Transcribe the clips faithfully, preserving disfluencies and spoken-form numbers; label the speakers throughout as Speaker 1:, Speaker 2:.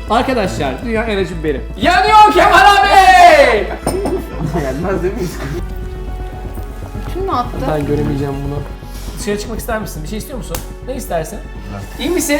Speaker 1: Arkadaşlar dünya en acı biberi. Yanıyor Kemal abi!
Speaker 2: Gelmez değil mi?
Speaker 3: Kim mi attı?
Speaker 1: Ben göremeyeceğim bunu. Dışarı çıkmak ister misin? Bir şey istiyor musun? Ne istersin? İyi misin?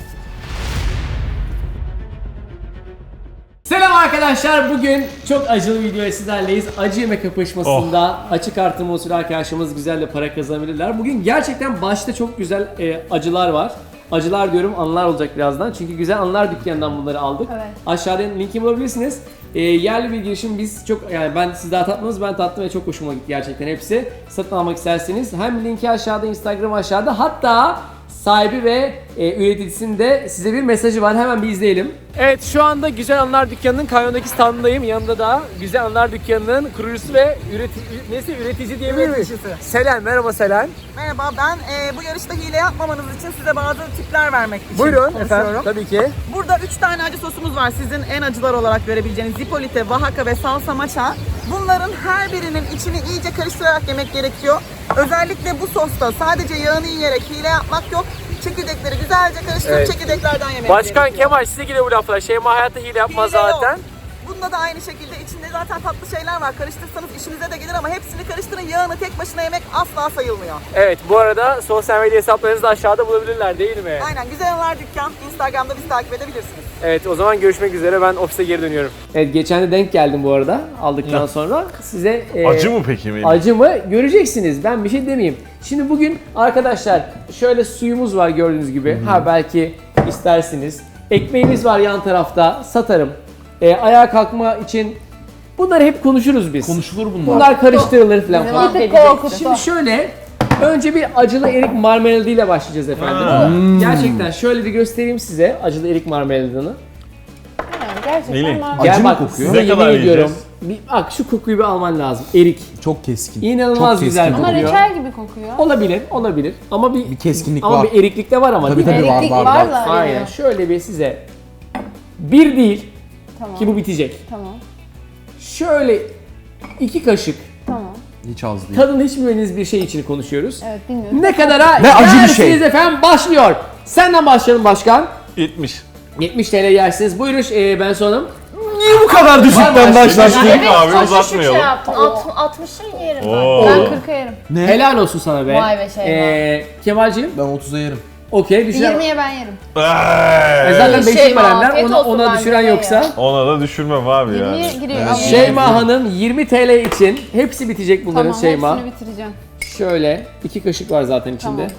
Speaker 1: Selam arkadaşlar. Bugün çok acılı bir videoya sizlerleyiz. Acı yemek kapışmasında açık artırma usulü arkadaşlarımız güzel de para kazanabilirler. Bugün gerçekten başta çok güzel e, acılar var. Acılar diyorum, anılar olacak birazdan. Çünkü güzel anılar dükkanından bunları aldık.
Speaker 3: Evet.
Speaker 1: Aşağıdan linki bulabilirsiniz. E, yerli bir girişim, biz çok yani ben siz daha tatmadınız, ben tattım ve çok hoşuma gitti gerçekten hepsi. Satın almak isterseniz hem linki aşağıda, Instagram aşağıda, hatta sahibi ve e, üreticisinin de size bir mesajı var. Hemen bir izleyelim. Evet, şu anda Güzel Anılar Dükkanı'nın Kanyon'daki standındayım. Yanında da Güzel Anılar Dükkanı'nın kurucusu ve üretici, neyse üretici diyebilir miyiz? Selen, merhaba Selen.
Speaker 4: Merhaba, ben e, bu yarışta hile yapmamanız için size bazı tipler vermek için
Speaker 1: Buyurun
Speaker 4: konuşuyorum.
Speaker 1: efendim, tabii ki.
Speaker 4: Burada üç tane acı sosumuz var. Sizin en acılar olarak görebileceğiniz Zipolite, Oaxaca ve Salsa Macha. Bunların her birinin içini iyice karıştırarak yemek gerekiyor. Özellikle bu sosta sadece yağını yiyerek hile yapmak yok. Çekirdekleri güzelce karıştırıp
Speaker 1: Evet.
Speaker 4: çekirdeklerden yemek
Speaker 1: Başkan
Speaker 4: gerekiyor.
Speaker 1: Kemal size geliyor bu laflar. Şeyma hayatta hile yapmaz
Speaker 4: Hile yok.
Speaker 1: zaten.
Speaker 4: Bunda da aynı şekilde içinde zaten tatlı şeyler var. Karıştırsanız işinize de gelir ama hepsini karıştırın. Yağını tek başına yemek asla sayılmıyor.
Speaker 1: Evet, bu arada sosyal medya hesaplarınızı da aşağıda bulabilirler değil mi?
Speaker 4: Aynen, Güzel Anılar Dükkan. Instagram'da bizi takip edebilirsiniz.
Speaker 1: Evet, o zaman görüşmek üzere. Ben ofise geri dönüyorum. Evet, geçen de denk geldim bu arada aldıktan sonra. Size e,
Speaker 5: Acı mı peki Melih?
Speaker 1: acı mı göreceksiniz. Ben bir şey demeyeyim. Şimdi bugün arkadaşlar şöyle suyumuz var gördüğünüz gibi. Ha belki istersiniz. Ekmeğimiz var yan tarafta. Satarım. E, ayağa kalkma için bunları hep konuşuruz biz.
Speaker 2: Konuşulur bunlar.
Speaker 1: Bunlar karıştırılır falan falan.
Speaker 3: Bir tık korkuttu.
Speaker 1: Şimdi şöyle, önce bir acılı erik marmeladıyla başlayacağız efendim. Gerçekten şöyle bir göstereyim size acılı erik marmeladını.
Speaker 3: Yani gerçekten
Speaker 5: Melih,
Speaker 3: var.
Speaker 2: Acı
Speaker 1: Gel
Speaker 2: mı
Speaker 1: bak,
Speaker 2: kokuyor?
Speaker 1: size
Speaker 5: Ne
Speaker 1: yemin
Speaker 5: kadar
Speaker 1: ediyorum.
Speaker 5: yiyeceğiz?
Speaker 1: Bir, bak şu kokuyu bir alman lazım. Erik.
Speaker 2: Çok keskin.
Speaker 1: İnanılmaz
Speaker 2: Çok
Speaker 1: güzel
Speaker 2: keskin.
Speaker 3: Ama
Speaker 1: kokuyor.
Speaker 3: reçel gibi kokuyor.
Speaker 1: Olabilir, olabir. Ama bir,
Speaker 2: Bir keskinlik
Speaker 1: ama
Speaker 2: var.
Speaker 1: bir eriklik de var ama
Speaker 2: Tabii
Speaker 1: değil mi?
Speaker 2: tabii var
Speaker 3: Eriklik
Speaker 2: var.
Speaker 3: var
Speaker 2: var.
Speaker 3: da.
Speaker 1: Aynen.
Speaker 3: veriyor.
Speaker 1: Şöyle bir size bir değil
Speaker 3: Tamam.
Speaker 1: ki bu bitecek.
Speaker 3: Tamam.
Speaker 1: Şöyle iki kaşık
Speaker 3: Tamam.
Speaker 2: Hiç az değil.
Speaker 1: tadını hiç bilmediğiniz bir şey için konuşuyoruz.
Speaker 3: Evet, bilmiyorum.
Speaker 1: Ne kadara
Speaker 2: Ve acı bir
Speaker 1: yersiniz
Speaker 2: şey.
Speaker 1: efendim, başlıyor. Senden başlayalım başkan.
Speaker 5: yetmiş.
Speaker 1: yetmiş TL yersiniz. Buyurun e, ben sonum.
Speaker 2: Niye bu kadar düşükten başlattın?
Speaker 5: Evet, abi,
Speaker 6: çok düşük
Speaker 5: uzatmayalım.
Speaker 6: şey yaptın. Alt, altmışa yerim
Speaker 5: Oo.
Speaker 6: ben.
Speaker 3: Ben kırka yerim.
Speaker 2: Ne?
Speaker 1: Helal olsun sana be.
Speaker 6: Vay be Şeyma.
Speaker 1: E, Kemal'cim
Speaker 2: Ben otuza yerim.
Speaker 1: okey düşüren.
Speaker 3: yirmiye ben yerim.
Speaker 1: E,
Speaker 5: Eee,
Speaker 1: zaten
Speaker 6: Şey,
Speaker 1: beşik verenler
Speaker 6: afiyet
Speaker 1: ona,
Speaker 6: olsun
Speaker 1: ona
Speaker 6: bence
Speaker 1: düşüren
Speaker 6: de
Speaker 1: yoksa.
Speaker 6: ya.
Speaker 5: Ona da düşürmem abi
Speaker 3: yirmiye
Speaker 5: yani.
Speaker 3: giriyor.
Speaker 2: Evet.
Speaker 3: Ama
Speaker 1: Şeyma Hanım yirmi TL için hepsi bitecek bunların
Speaker 3: Tamam,
Speaker 1: Şeyma.
Speaker 3: hepsini bitireceğim.
Speaker 1: Şöyle iki kaşık var zaten içinde.
Speaker 3: Tamam.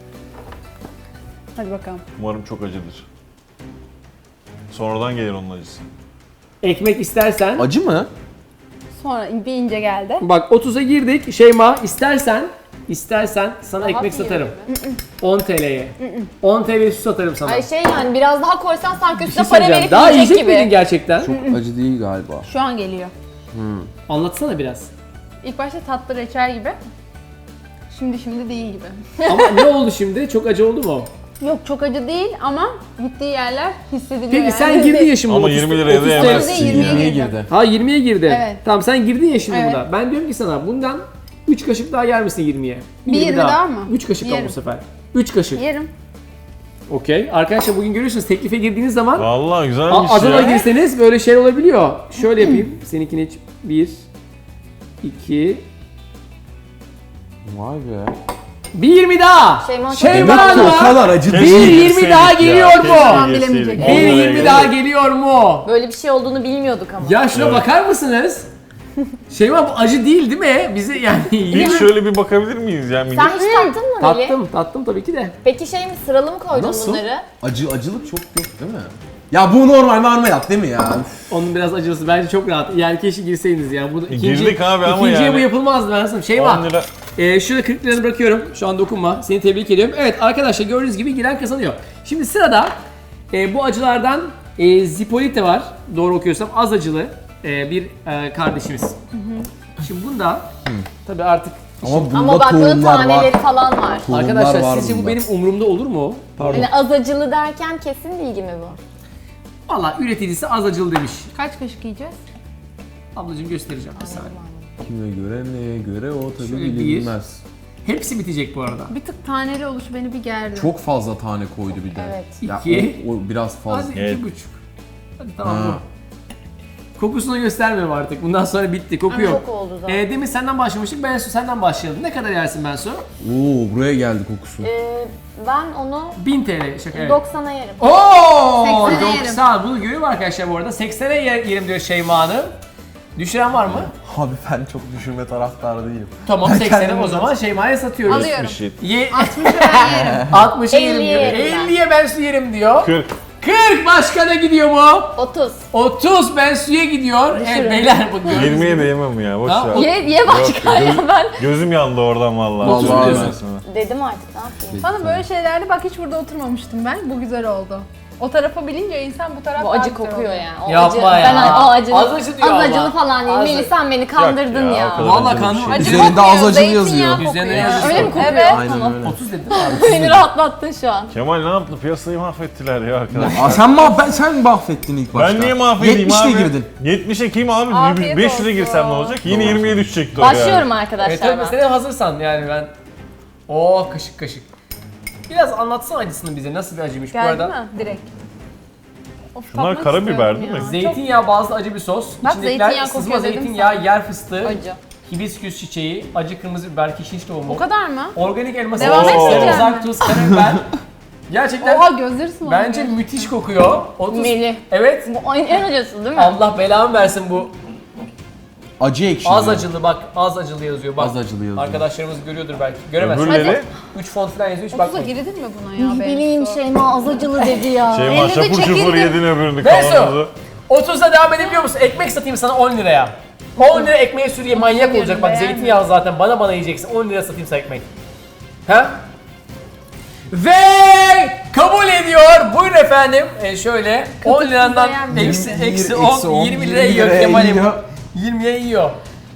Speaker 3: Hadi bakalım.
Speaker 5: Umarım çok acıdır. Sonradan gelir onun acısı.
Speaker 1: Ekmek istersen.
Speaker 2: Acı mı?
Speaker 3: Sonra bir ince geldi.
Speaker 1: Bak otuza girdik. Şeyma istersen istersen sana
Speaker 6: Rahat
Speaker 1: ekmek
Speaker 6: yiyelim
Speaker 1: satarım. on TL'ye. on TL su satarım sana.
Speaker 6: Ay şey yani biraz daha koysan sanki
Speaker 1: Bir şey
Speaker 6: üstüne para
Speaker 1: söyleyeceğim.
Speaker 6: verip
Speaker 1: Daha
Speaker 6: yiyecek
Speaker 1: yiyecek
Speaker 6: gibi.
Speaker 1: miydin gerçekten?
Speaker 2: Çok acı değil galiba.
Speaker 3: Şu an geliyor.
Speaker 1: Anlatsana biraz.
Speaker 3: İlk başta tatlı reçel gibi. Şimdi şimdi değil gibi.
Speaker 1: Ama ne oldu şimdi? Çok acı oldu mu?
Speaker 3: Yok çok acı değil ama gittiği yerler hissediliyor
Speaker 1: Peki
Speaker 3: yani.
Speaker 1: sen girdin ya şimdi.
Speaker 5: Ama
Speaker 1: otuz
Speaker 5: yirmi liraya da
Speaker 1: otuz
Speaker 5: yemezsin.
Speaker 1: TL.
Speaker 3: yirmiye
Speaker 2: yirmiye
Speaker 3: girdi.
Speaker 2: girdi.
Speaker 1: Ha yirmiye girdi.
Speaker 3: Evet.
Speaker 1: Tamam sen girdin ya şimdi
Speaker 3: Evet.
Speaker 1: buna. Ben diyorum ki sana bundan üç kaşık daha yer misin yirmiye?
Speaker 3: Bir yirmi daha mı?
Speaker 1: üç kaşık al bu
Speaker 3: Yerim.
Speaker 1: sefer. üç kaşık.
Speaker 3: Yerim.
Speaker 1: Okey. Arkadaşlar bugün görüyorsunuz teklife girdiğiniz zaman
Speaker 5: Vallahi
Speaker 1: a-
Speaker 5: güzelmiş
Speaker 1: azala
Speaker 5: ya.
Speaker 1: girseniz böyle şey olabiliyor. Şöyle yapayım. Seninkini hiç. bir, iki,
Speaker 2: Vay be.
Speaker 1: bir yirmi daha.
Speaker 6: Şeyma çok
Speaker 1: Şeyma
Speaker 2: Demek ki o
Speaker 1: Hanım'a
Speaker 2: kadar acı
Speaker 5: Keşke
Speaker 1: bir
Speaker 2: değil.
Speaker 1: yirmi
Speaker 5: girseydik
Speaker 1: daha
Speaker 5: ya,
Speaker 1: geliyor
Speaker 5: keşke
Speaker 1: mu?
Speaker 5: girseydik.
Speaker 3: bilemeyecek.
Speaker 5: On
Speaker 1: bir
Speaker 5: liraya
Speaker 1: yirmi daha
Speaker 5: gelirdik.
Speaker 1: geliyor mu?
Speaker 6: Böyle bir şey olduğunu bilmiyorduk ama.
Speaker 1: Ya şuna
Speaker 5: Evet.
Speaker 1: bakar mısınız? Şeyma bu acı değil değil mi? Bizi yani
Speaker 5: Bir şöyle bir bakabilir miyiz ya?
Speaker 6: Sen hiç tattın mı Melih?
Speaker 1: tattım, tattım tabii ki de.
Speaker 6: Peki şey mi sıralı mı koydun
Speaker 2: Nasıl?
Speaker 6: bunları?
Speaker 2: Acı acılık çok yok değil mi? Ya bu normal marmelat değil mi ya? Üf.
Speaker 1: Onun biraz acılısı bence çok rahat. Yani keşke girseydiniz ya. Bu ikinci,
Speaker 5: girdik abi ama
Speaker 1: ikinciye
Speaker 5: yani.
Speaker 1: bu yapılmazdı ben sana. Şeyma.
Speaker 5: on lira.
Speaker 1: Ee, şurada kırk liranı bırakıyorum. Şu an dokunma. Seni tebrik ediyorum. Evet arkadaşlar gördüğünüz gibi giren kazanıyor. Şimdi sırada e, bu acılardan e, Zipolite var. Doğru okuyorsam az acılı e, bir e, kardeşimiz. Şimdi bunda tabii artık
Speaker 2: Ama bunda
Speaker 6: Ama bak bunun
Speaker 2: tohumlar
Speaker 6: taneleri
Speaker 2: var.
Speaker 6: falan var.
Speaker 2: Tohumlar
Speaker 1: arkadaşlar
Speaker 2: var
Speaker 1: sizce bu
Speaker 2: bunda.
Speaker 1: benim umurumda olur mu? Pardon.
Speaker 6: Yani az acılı derken kesin bilgi mi bu?
Speaker 1: Valla üreticisi az acılı demiş.
Speaker 3: Kaç kaşık yiyeceğiz?
Speaker 1: Ablacığım göstereceğim bir saniye.
Speaker 2: Kime göre neye göre o tabii
Speaker 1: Şöyle bir.
Speaker 2: bilinmez.
Speaker 1: Hepsi bitecek bu arada.
Speaker 3: Bir tık taneli oluşu beni bir gerdi.
Speaker 2: Çok fazla tane koydu bir de.
Speaker 6: Evet.
Speaker 2: Ya
Speaker 1: İki.
Speaker 2: o, o biraz fazla.
Speaker 1: Hadi
Speaker 5: Evet.
Speaker 1: iki buçuk. Hadi tamam
Speaker 2: Ha.
Speaker 1: bu. Kokusunu göstermiyorum artık. Bundan sonra bitti. Koku yok.
Speaker 6: Koku oldu zaten.
Speaker 1: Ee, demin senden başlamıştık. Bensu senden başlayalım. Ne kadar yersin Bensu?
Speaker 2: Oo buraya geldi kokusu.
Speaker 6: Ee, ben onu
Speaker 1: bin T L. Şaka evet.
Speaker 6: doksana yerim.
Speaker 1: Oo!
Speaker 3: seksene yerim.
Speaker 1: doksan. Bunu görüyor mu arkadaşlar bu arada? seksene yer- yerim diyor Şeyma Hanım. Düşüren var mı?
Speaker 2: Abi ben çok düşürme taraftarı değilim.
Speaker 1: Tamam
Speaker 2: Ben
Speaker 1: seksene
Speaker 2: kendim
Speaker 1: o zaman Şeyma'ya satıyoruz.
Speaker 3: Alıyorum.
Speaker 5: Bir şey.
Speaker 1: Ye
Speaker 3: altmışı ben yerim.
Speaker 1: altmışı yerim
Speaker 6: elliye
Speaker 1: diyor.
Speaker 6: yerim ben.
Speaker 1: elliye ben su yerim diyor.
Speaker 5: kırk.
Speaker 1: kırk başkana gidiyor mu?
Speaker 6: otuz.
Speaker 1: otuz ben suya gidiyor. Evet
Speaker 6: Düşürün.
Speaker 1: beyler bu gördüğünüz
Speaker 5: yirmiye
Speaker 1: gibi.
Speaker 5: de yemem ya. Boş
Speaker 1: Ha,
Speaker 5: ver.
Speaker 1: o-
Speaker 6: Ye, ye başka
Speaker 5: Yok,
Speaker 6: ya
Speaker 5: göz-
Speaker 6: ben.
Speaker 5: Gözüm yandı oradan vallahi.
Speaker 1: otuz
Speaker 2: Vallahi
Speaker 1: diyorsun.
Speaker 5: Ben sana.
Speaker 6: Dedim artık ne yapayım.
Speaker 3: Sana böyle şeylerde bak hiç burada oturmamıştım ben. Bu güzel oldu. O tarafa bilince insan bu taraf
Speaker 6: Bu
Speaker 3: daha
Speaker 6: acı
Speaker 3: güzel
Speaker 6: kokuyor
Speaker 3: oluyor.
Speaker 6: yani. O
Speaker 1: Yapma
Speaker 6: acı,
Speaker 1: ya.
Speaker 6: Ben o acılı,
Speaker 1: Az acı diyor
Speaker 6: az
Speaker 1: ama.
Speaker 6: acılı falan değil.
Speaker 1: Az-
Speaker 6: Melih sen beni kandırdın
Speaker 5: Yok ya,
Speaker 6: ya.
Speaker 5: o kadar.
Speaker 1: Vallahi
Speaker 5: acılı bir
Speaker 1: kanım
Speaker 5: şey.
Speaker 1: acı.
Speaker 2: Üzerinde az acılı
Speaker 3: Zeytinyağı
Speaker 2: yazıyor.
Speaker 3: kokuyor.
Speaker 1: Üzerine
Speaker 3: Ya.
Speaker 1: yazıyor.
Speaker 6: Öyle mi kokuyor?
Speaker 3: Evet.
Speaker 2: Aynen
Speaker 6: Tamam.
Speaker 2: öyle.
Speaker 1: otuz dedim abi.
Speaker 6: Beni rahatlattın şu an.
Speaker 5: Kemal ne yaptı? Piyasayı mahvettiler ya arkadaşlar.
Speaker 2: Aa, sen mah ben sen mahvettin ilk başta.
Speaker 5: Ben niye mahvedeyim
Speaker 2: yetmişle
Speaker 5: abi?
Speaker 2: girdin.
Speaker 5: yetmişe kim abi?
Speaker 3: Afiyet
Speaker 5: beş lira
Speaker 3: olsun.
Speaker 5: girsem ne olacak? Yine
Speaker 2: Doğru.
Speaker 5: yirmiye düşecekti o yani.
Speaker 6: Başlıyorum
Speaker 1: Evet
Speaker 6: arkadaşlar
Speaker 1: tabii
Speaker 6: ben.
Speaker 1: sen hazırsan yani ben. Oo kaşık kaşık. Biraz anlatsana acısını bize. Nasıl bir acıymış bu
Speaker 3: Geldi
Speaker 1: arada?
Speaker 3: mi? Direkt. Of,
Speaker 5: Şunlar
Speaker 3: tatmak
Speaker 5: karabiber
Speaker 3: istiyorum
Speaker 5: değil mi?
Speaker 3: ya.
Speaker 1: Zeytinyağı bazlı acı bir sos.
Speaker 3: Bak,
Speaker 1: İçindekiler
Speaker 3: zeytinyağı
Speaker 1: sızma
Speaker 3: kokuyor dedim
Speaker 1: zeytinyağı, yer fıstığı,
Speaker 6: Acı.
Speaker 1: hibisküs çiçeği, acı kırmızı biber, kişniş
Speaker 3: Çok-
Speaker 1: tohumu,
Speaker 3: O kadar mı?
Speaker 1: organik elma
Speaker 3: Devam
Speaker 1: sarımsak,
Speaker 5: etmeyeceğim
Speaker 1: sarımsak,
Speaker 3: mi?
Speaker 1: tuz, karabiber. Gerçekten
Speaker 3: Oha gözleri sulandı.
Speaker 1: bence müthiş kokuyor. otuz
Speaker 6: Melih.
Speaker 1: Evet.
Speaker 6: Bu en en acısı değil mi?
Speaker 1: Allah belamı versin bu.
Speaker 2: Acı ekşi.
Speaker 1: Az
Speaker 2: diyor.
Speaker 1: acılı bak, az acılı yazıyor bak.
Speaker 2: Az acılı yazıyor.
Speaker 1: Arkadaşlarımız görüyordur belki. Göremez.
Speaker 5: Öbürleri
Speaker 1: üç font falan yazıyor hiç
Speaker 3: otuza
Speaker 1: bakmayın.
Speaker 3: girilir mi buna ya?
Speaker 6: Ne
Speaker 3: Bensu?
Speaker 6: bileyim Şeyma az acılı dedi ya.
Speaker 5: Şeyma
Speaker 3: Elinde
Speaker 5: şapur şupur
Speaker 3: çekildim.
Speaker 5: yedin öbürünü
Speaker 1: Bensu,
Speaker 5: kavanozu.
Speaker 1: otuzda devam edebiliyor musun? Ekmek satayım sana on liraya. on lira ekmeğe sür ye, manyak
Speaker 3: yerim,
Speaker 1: olacak bak,
Speaker 3: beğenmiyorum.
Speaker 1: zeytinyağı zaten bana bana yiyeceksin, on lira satayım sana ekmek. Ha? Ve kabul ediyor. Buyurun efendim. E şöyle on lirandan
Speaker 3: beğenmiyorum.
Speaker 1: eksi
Speaker 2: Yirmi-
Speaker 1: eksi
Speaker 2: eksi
Speaker 1: on,
Speaker 2: on,
Speaker 1: yirmi lira
Speaker 2: yirmi
Speaker 1: yiyor
Speaker 2: liraya
Speaker 1: Kemal'im.
Speaker 2: yiyor.
Speaker 1: yirmiye yiyor.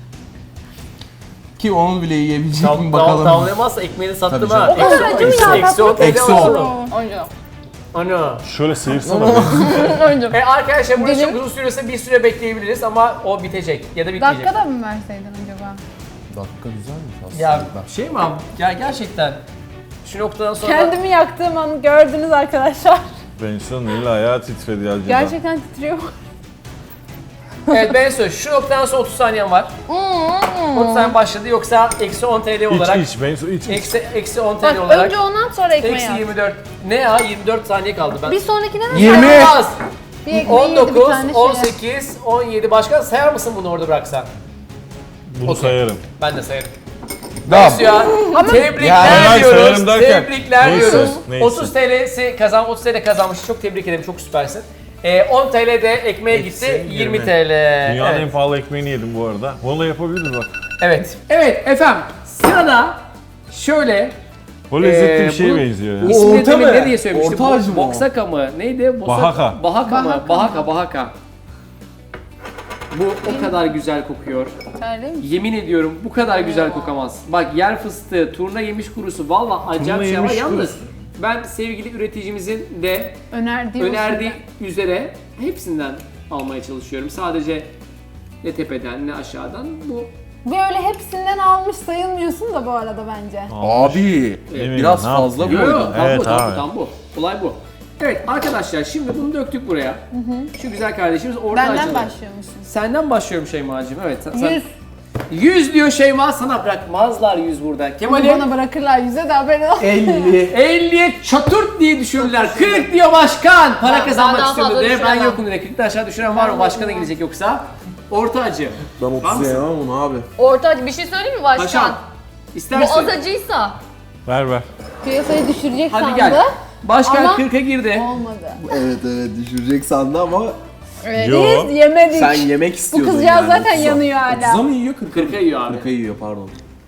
Speaker 2: Ki onu bile yiyebilecek
Speaker 1: Tam,
Speaker 2: mi
Speaker 1: tam,
Speaker 2: bakalım.
Speaker 1: tamamlayamazsa ekmeğini sattım
Speaker 2: Tabii
Speaker 1: ha.
Speaker 2: canım.
Speaker 3: O kadar acı mı ya?
Speaker 1: Eksi on
Speaker 3: Tatmak
Speaker 1: T L
Speaker 2: Eksi
Speaker 1: oldu.
Speaker 2: on.
Speaker 6: Acı.
Speaker 1: Ana.
Speaker 5: Şöyle sıyırsana beni.
Speaker 1: E arkadaşlar burası
Speaker 6: Dilim-
Speaker 1: çok uzun sürüyorsa bir süre bekleyebiliriz ama o bitecek ya da bitmeyecek.
Speaker 3: Dakikada mı verseydin acaba?
Speaker 2: Dakika güzelmiş aslında.
Speaker 1: Ya şey mi abi? Ya gerçekten şu noktadan sonra
Speaker 3: Kendimi yaktığım an gördünüz arkadaşlar.
Speaker 5: Bensu'nun eli ayağı titredi ya.
Speaker 3: Gerçekten titriyor.
Speaker 1: evet Bensu şu noktadan sonra otuz saniyen var. otuz saniye başladı yoksa eksi on T L olarak
Speaker 5: İç iç Bensu iç iç.
Speaker 1: eksi eksi on T
Speaker 3: Bak
Speaker 1: L olarak
Speaker 3: önce ondan sonra ekmeği
Speaker 1: eksi
Speaker 3: at.
Speaker 1: yirmi dört. Ne ya yirmi dört saniye kaldı ben.
Speaker 3: Bir sonrakine de
Speaker 2: Yirmi.
Speaker 1: Sayılmaz.
Speaker 3: bir ekmeği
Speaker 1: on
Speaker 3: yedi bir
Speaker 1: dokuz,
Speaker 3: tane
Speaker 1: on
Speaker 3: şeye.
Speaker 1: sekiz, on yedi başka sayar mısın bunu orada bıraksan?
Speaker 5: Bunu
Speaker 1: Okey.
Speaker 5: sayarım.
Speaker 1: Ben de sayarım.
Speaker 2: Tamam.
Speaker 1: Bensu ya. Tebrikler
Speaker 2: Ya,
Speaker 5: hayır,
Speaker 1: diyoruz.
Speaker 5: sayarım derken,
Speaker 1: Tebrikler
Speaker 5: neyse,
Speaker 1: diyoruz.
Speaker 5: neyse.
Speaker 1: otuz T L'si kazan, otuz T L kazanmış. Çok tebrik ederim. Çok süpersin. Ee, on T L de ekmeğe
Speaker 2: Eksi
Speaker 1: gitti. yirmi
Speaker 2: yirmi.
Speaker 1: T L.
Speaker 5: Dünyanın
Speaker 1: Evet.
Speaker 5: en pahalı ekmeğini yedim bu arada. Bunu da yapabiliriz bak.
Speaker 1: Evet. Evet efendim. Sırada şöyle
Speaker 5: O lezzetli
Speaker 1: Ee,
Speaker 5: bir şeye
Speaker 1: bu-
Speaker 5: benziyor ya.
Speaker 2: O
Speaker 1: ismini
Speaker 2: orta
Speaker 1: demin
Speaker 2: mı?
Speaker 1: ne diye söylemiştim?
Speaker 2: Orta acı mı o?
Speaker 1: Boksaka mı? Neydi? Bosa-
Speaker 5: Bahaka.
Speaker 1: Bahaka mı?
Speaker 3: Bahaka.
Speaker 1: Bahaka, bahaka. Bu o kadar güzel kokuyor.
Speaker 3: Terli mi?
Speaker 1: Yemin ediyorum bu kadar güzel kokamaz. Bak yer fıstığı, turna yemiş kurusu valla acayip
Speaker 5: Turna
Speaker 1: şey ama
Speaker 5: yemiş
Speaker 1: yalnız
Speaker 5: kurusu.
Speaker 1: ben sevgili üreticimizin de
Speaker 3: Önerdiği
Speaker 1: önerdiği
Speaker 3: usulde.
Speaker 1: üzere hepsinden almaya çalışıyorum. Sadece ne tepeden ne aşağıdan bu
Speaker 3: Böyle hepsinden almış sayılmıyorsun da bu arada bence.
Speaker 2: Abi
Speaker 5: Eminim,
Speaker 2: biraz
Speaker 5: ne
Speaker 2: fazla
Speaker 5: yaptın?
Speaker 1: Yo, yo,
Speaker 2: koydun.
Speaker 1: tam
Speaker 5: Evet
Speaker 1: bu, tam
Speaker 5: abi.
Speaker 1: bu, tam bu. Olay bu. Evet arkadaşlar şimdi bunu döktük buraya. Şu güzel kardeşimiz orta
Speaker 3: Benden
Speaker 1: acılı.
Speaker 3: başlıyormuşsun.
Speaker 1: Senden başlıyorum Şeyma'cığım. Evet. Sen, sen-
Speaker 3: Yüz.
Speaker 1: yüz diyor Şeyma, sana bırakmazlar yüz burada.
Speaker 3: Bunu
Speaker 1: Kemal'im
Speaker 3: bana bırakırlar yüze de haberin olsun.
Speaker 2: elli.
Speaker 1: elliye çaturt diye düşürdüler. kırk diyor başkan. Para
Speaker 6: Ben-
Speaker 1: kazanmak
Speaker 6: ben daha
Speaker 1: istiyordu
Speaker 6: fazla
Speaker 1: diye. Ben
Speaker 6: düşüremem.
Speaker 1: yokum diye. kırktan aşağı düşüren var mı? Başkana gidecek yoksa. Orta acı.
Speaker 2: Ben
Speaker 1: Var
Speaker 2: otuz
Speaker 1: mısın?
Speaker 2: yemem onu abi.
Speaker 6: Orta acı bir şey söyleyeyim mi başkan?
Speaker 1: Paşam.
Speaker 6: Bu
Speaker 1: İstersin.
Speaker 6: az acıysa
Speaker 5: Ver ver.
Speaker 3: Piyasayı düşürecek
Speaker 1: Hadi
Speaker 3: sandı.
Speaker 1: gel. Başkan
Speaker 3: Ama-
Speaker 1: kırka girdi.
Speaker 3: Olmadı.
Speaker 2: Evet evet düşürecek sandı ama
Speaker 3: Evet,
Speaker 5: Yo.
Speaker 3: biz yemedik.
Speaker 2: sen yemek
Speaker 3: Bu
Speaker 2: istiyordun
Speaker 3: kızcağız
Speaker 2: yani.
Speaker 3: zaten
Speaker 2: otuza.
Speaker 3: yanıyor hala.
Speaker 2: otuza mı yiyor kırka?
Speaker 1: kırka yiyor abi.
Speaker 2: Kırka yiyor pardon.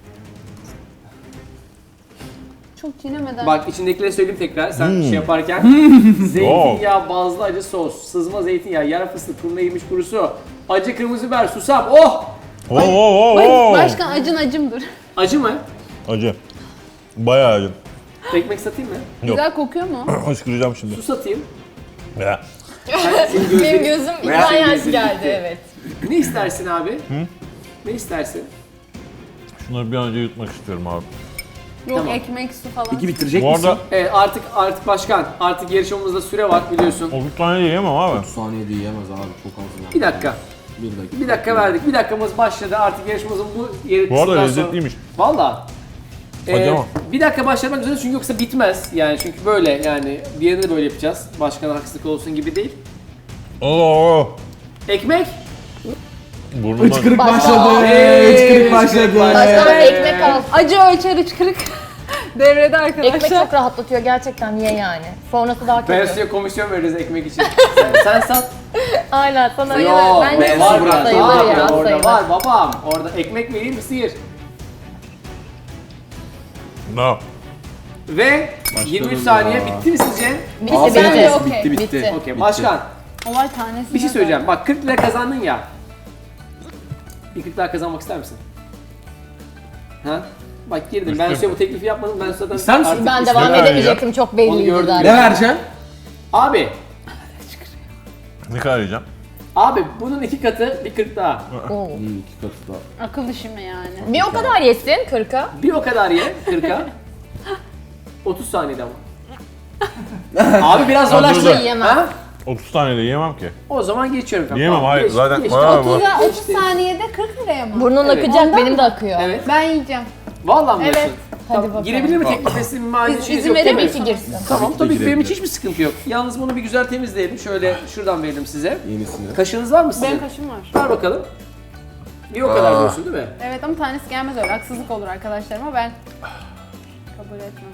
Speaker 3: Çok çiğnemeden.
Speaker 1: Bak içindekileri söyleyeyim tekrar sen
Speaker 5: Hmm.
Speaker 1: şey yaparken. Zeytinyağı, bazlı acı sos, sızma zeytinyağı, yer fıstığı, turna yemiş kurusu, acı kırmızı biber, susam. Oh!
Speaker 5: Oo oo
Speaker 3: Ay,
Speaker 5: oo.
Speaker 3: başkan acın acımdır.
Speaker 1: Acı mı?
Speaker 5: Acı. Bayağı acı.
Speaker 1: Ekmek satayım mı?
Speaker 5: Yok.
Speaker 3: Güzel kokuyor mu?
Speaker 5: Hıçkıracağım şimdi.
Speaker 1: Su satayım.
Speaker 5: Ya.
Speaker 1: Sen, senin
Speaker 6: benim
Speaker 1: gözlerin...
Speaker 6: gözüm
Speaker 1: Veya
Speaker 6: ikna
Speaker 1: senin
Speaker 6: yaş
Speaker 1: gözlerin
Speaker 6: geldi
Speaker 1: gitti.
Speaker 6: evet.
Speaker 1: Ne istersin abi? Ne istersin?
Speaker 5: Şunları bir an önce yutmak istiyorum abi.
Speaker 3: Yok
Speaker 1: Tamam.
Speaker 3: ekmek, su falan.
Speaker 2: İki bitirecek
Speaker 5: Bu
Speaker 2: misin?
Speaker 5: arada
Speaker 1: Evet artık artık başkan. Artık yarışmamızda süre var biliyorsun.
Speaker 5: otuz tane yiyemem abi.
Speaker 2: otuz saniyede yiyemez abi, çok az yani.
Speaker 1: Bir dakika.
Speaker 2: Bir dakika.
Speaker 1: Bir dakika verdik. Bir dakikamız başladı. Artık yarışmamızın bu yeri
Speaker 5: Bu arada
Speaker 1: kısmından
Speaker 5: lezzetliymiş.
Speaker 1: Sonra... Valla.
Speaker 5: Hadi
Speaker 1: Ee,
Speaker 5: ama.
Speaker 1: bir dakika başlamak üzere çünkü yoksa bitmez. Yani çünkü böyle yani bir yerinde de böyle yapacağız. Başkana haksızlık olsun gibi değil.
Speaker 5: Oo.
Speaker 1: Ekmek.
Speaker 5: Burnumdan.
Speaker 2: Hıçkırık
Speaker 6: Başla.
Speaker 2: başladı.
Speaker 1: Hey,
Speaker 2: Hıçkırık başladı.
Speaker 6: Başka
Speaker 1: Evet.
Speaker 6: ekmek al.
Speaker 3: Acı ölçer hıçkırık devrede arkadaşlar.
Speaker 6: Ekmek çok rahatlatıyor gerçekten, ye yani. Sonrası daha
Speaker 1: Ben
Speaker 6: kötü.
Speaker 1: size komisyon veririz ekmek için. sen, sen sat.
Speaker 6: Aynen sana
Speaker 1: Yo,
Speaker 6: sayılır. Bence
Speaker 1: var biraz.
Speaker 6: sayılır
Speaker 1: Var
Speaker 6: ya,
Speaker 1: orada
Speaker 6: sayılır.
Speaker 1: var babam. Orada ekmek vereyim mi sıyır.
Speaker 5: No.
Speaker 1: Ve yirmi üç saniye
Speaker 2: ya.
Speaker 1: bitti mi sizce?
Speaker 6: Bitti
Speaker 2: Aferin
Speaker 6: bence.
Speaker 2: olsun,
Speaker 3: okey.
Speaker 2: bitti bitti.
Speaker 6: Bitti.
Speaker 1: Okey
Speaker 2: Bitti.
Speaker 1: başkan
Speaker 3: Olay tanesi.
Speaker 1: bir şey söyleyeceğim. Bak kırk lira kazandın ya. Bir kırk lira kazanmak ister misin? Ha? Bak girdim. Ben size bu teklifi yapmadım. Ben zaten
Speaker 2: İster misin?
Speaker 1: artık
Speaker 6: Ben
Speaker 1: istedim.
Speaker 6: devam
Speaker 5: ver ya.
Speaker 6: edemeyecektim, çok
Speaker 1: Onu
Speaker 6: belliydi
Speaker 1: gördüm.
Speaker 2: Ne
Speaker 6: zaten.
Speaker 2: vereceksin?
Speaker 1: Abi,
Speaker 5: Ne kadar yiyeceğim?
Speaker 1: abi bunun iki katı bir kırk daha.
Speaker 6: Oo.
Speaker 2: İyi, iki katı daha.
Speaker 3: Akıl işi mi yani?
Speaker 6: Bir o kadar yesin kırka.
Speaker 1: Bir o kadar ye kırka. otuz saniyede ama. Abi biraz
Speaker 5: dur,
Speaker 1: zorlaştı.
Speaker 5: dur.
Speaker 6: Yiyemem.
Speaker 1: Ha?
Speaker 5: otuz tane de yiyemem ki.
Speaker 1: O zaman geçiyorum. kanka.
Speaker 5: Yiyemem,
Speaker 1: Tamam,
Speaker 5: hayır.
Speaker 1: geç,
Speaker 5: Zaten
Speaker 1: geç.
Speaker 5: bayağı bu.
Speaker 3: otuz saniyede kırk liraya mı?
Speaker 6: Burnun
Speaker 1: Evet.
Speaker 6: akacak,
Speaker 3: Ondan
Speaker 6: benim
Speaker 3: mı?
Speaker 6: de akıyor.
Speaker 1: Evet.
Speaker 3: Ben yiyeceğim.
Speaker 1: Vallahi mi
Speaker 3: Evet.
Speaker 1: diyorsun?
Speaker 6: Hadi
Speaker 1: Tamam,
Speaker 6: bakalım.
Speaker 1: girebilir mi teklifi? Mali
Speaker 3: İz-
Speaker 1: şeyiniz
Speaker 3: izin
Speaker 1: yok değil
Speaker 3: verir
Speaker 1: mi?
Speaker 3: misin?
Speaker 6: girsin.
Speaker 1: Tamam
Speaker 2: Tabii
Speaker 1: tabii
Speaker 2: ki
Speaker 1: ki benim
Speaker 2: girebilir.
Speaker 1: hiç hiçbir sıkıntı yok. Yalnız bunu bir güzel temizleyelim. Şöyle şuradan verelim size.
Speaker 2: Yenisini.
Speaker 1: Kaşığınız var mı sizin?
Speaker 3: Benim kaşım var.
Speaker 1: Ver bakalım. Bir o kadar diyorsun değil mi?
Speaker 3: Evet ama tanesi gelmez öyle. Haksızlık olur arkadaşlarıma, ben kabul etmem.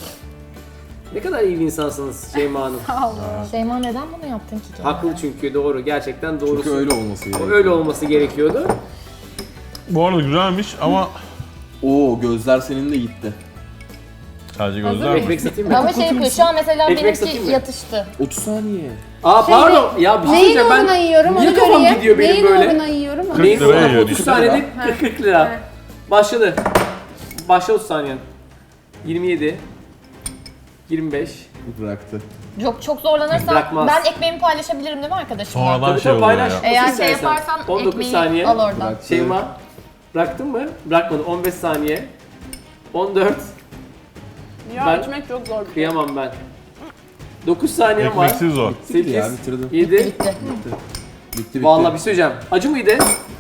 Speaker 1: Ne kadar iyi bir insansınız Şeyma Hanım.
Speaker 3: Sağ olun.
Speaker 6: Şeyma neden bunu yaptın ki? kendine?
Speaker 1: Haklı çünkü doğru. Gerçekten doğrusu.
Speaker 2: Çünkü öyle olması
Speaker 1: O
Speaker 2: gerekiyor.
Speaker 1: öyle olması gerekiyordu.
Speaker 5: Bu arada güzelmiş ama
Speaker 2: Oo, gözler senin de gitti.
Speaker 5: sadece
Speaker 3: Hazır
Speaker 5: gözler mi?
Speaker 1: Ekmek satayım mı?
Speaker 6: Ama şey yapıyor, şu an mesela
Speaker 1: Ekmek satayım
Speaker 6: benimki
Speaker 1: mı?
Speaker 6: yatıştı.
Speaker 2: otuz saniye.
Speaker 1: Aa pardon. Ya bir şey
Speaker 3: Neyin
Speaker 1: söyleyeceğim
Speaker 3: uğruna
Speaker 1: ben.
Speaker 3: yiyorum
Speaker 1: Niye
Speaker 3: onu
Speaker 1: kafam
Speaker 3: göreyim.
Speaker 1: gidiyor benim
Speaker 3: Neyin
Speaker 1: böyle?
Speaker 3: uğruna yiyorum onu
Speaker 1: Neyin
Speaker 5: liraya
Speaker 1: uğruna?
Speaker 5: yiyor
Speaker 1: otuz
Speaker 5: diyor.
Speaker 1: saniyede kırk kırk lira.
Speaker 3: Evet.
Speaker 1: Başladı. Başla otuz saniyen. yirmi yedi. yirmi beş.
Speaker 2: Bıraktı.
Speaker 6: Çok çok zorlanırsam
Speaker 1: Bırakmaz.
Speaker 6: ben ekmeğimi paylaşabilirim değil mi arkadaşım?
Speaker 5: Sonradan
Speaker 1: Tabii
Speaker 5: şey
Speaker 1: tabii
Speaker 5: oluyor
Speaker 1: paylaş.
Speaker 5: ya.
Speaker 6: Eğer
Speaker 1: Nasıl
Speaker 6: şey
Speaker 1: istersen.
Speaker 6: yaparsan
Speaker 1: on dokuz
Speaker 6: ekmeği
Speaker 1: saniye.
Speaker 6: al oradan.
Speaker 2: Bıraktı.
Speaker 1: Şeyma. Bıraktın mı? Bırakmadım. on beş saniye. on dört.
Speaker 3: Ya
Speaker 1: Ben-
Speaker 3: içmek çok zor bir şey.
Speaker 1: Kıyamam ben. dokuz saniyem var.
Speaker 5: Ekmeksiz o.
Speaker 2: Bitti ya,
Speaker 1: sekiz.
Speaker 2: bitirdim.
Speaker 1: yedi.
Speaker 6: Bitti.
Speaker 2: Bitti. Bitti.
Speaker 1: Vallahi bir şey söyleyeceğim. Acı mıydı?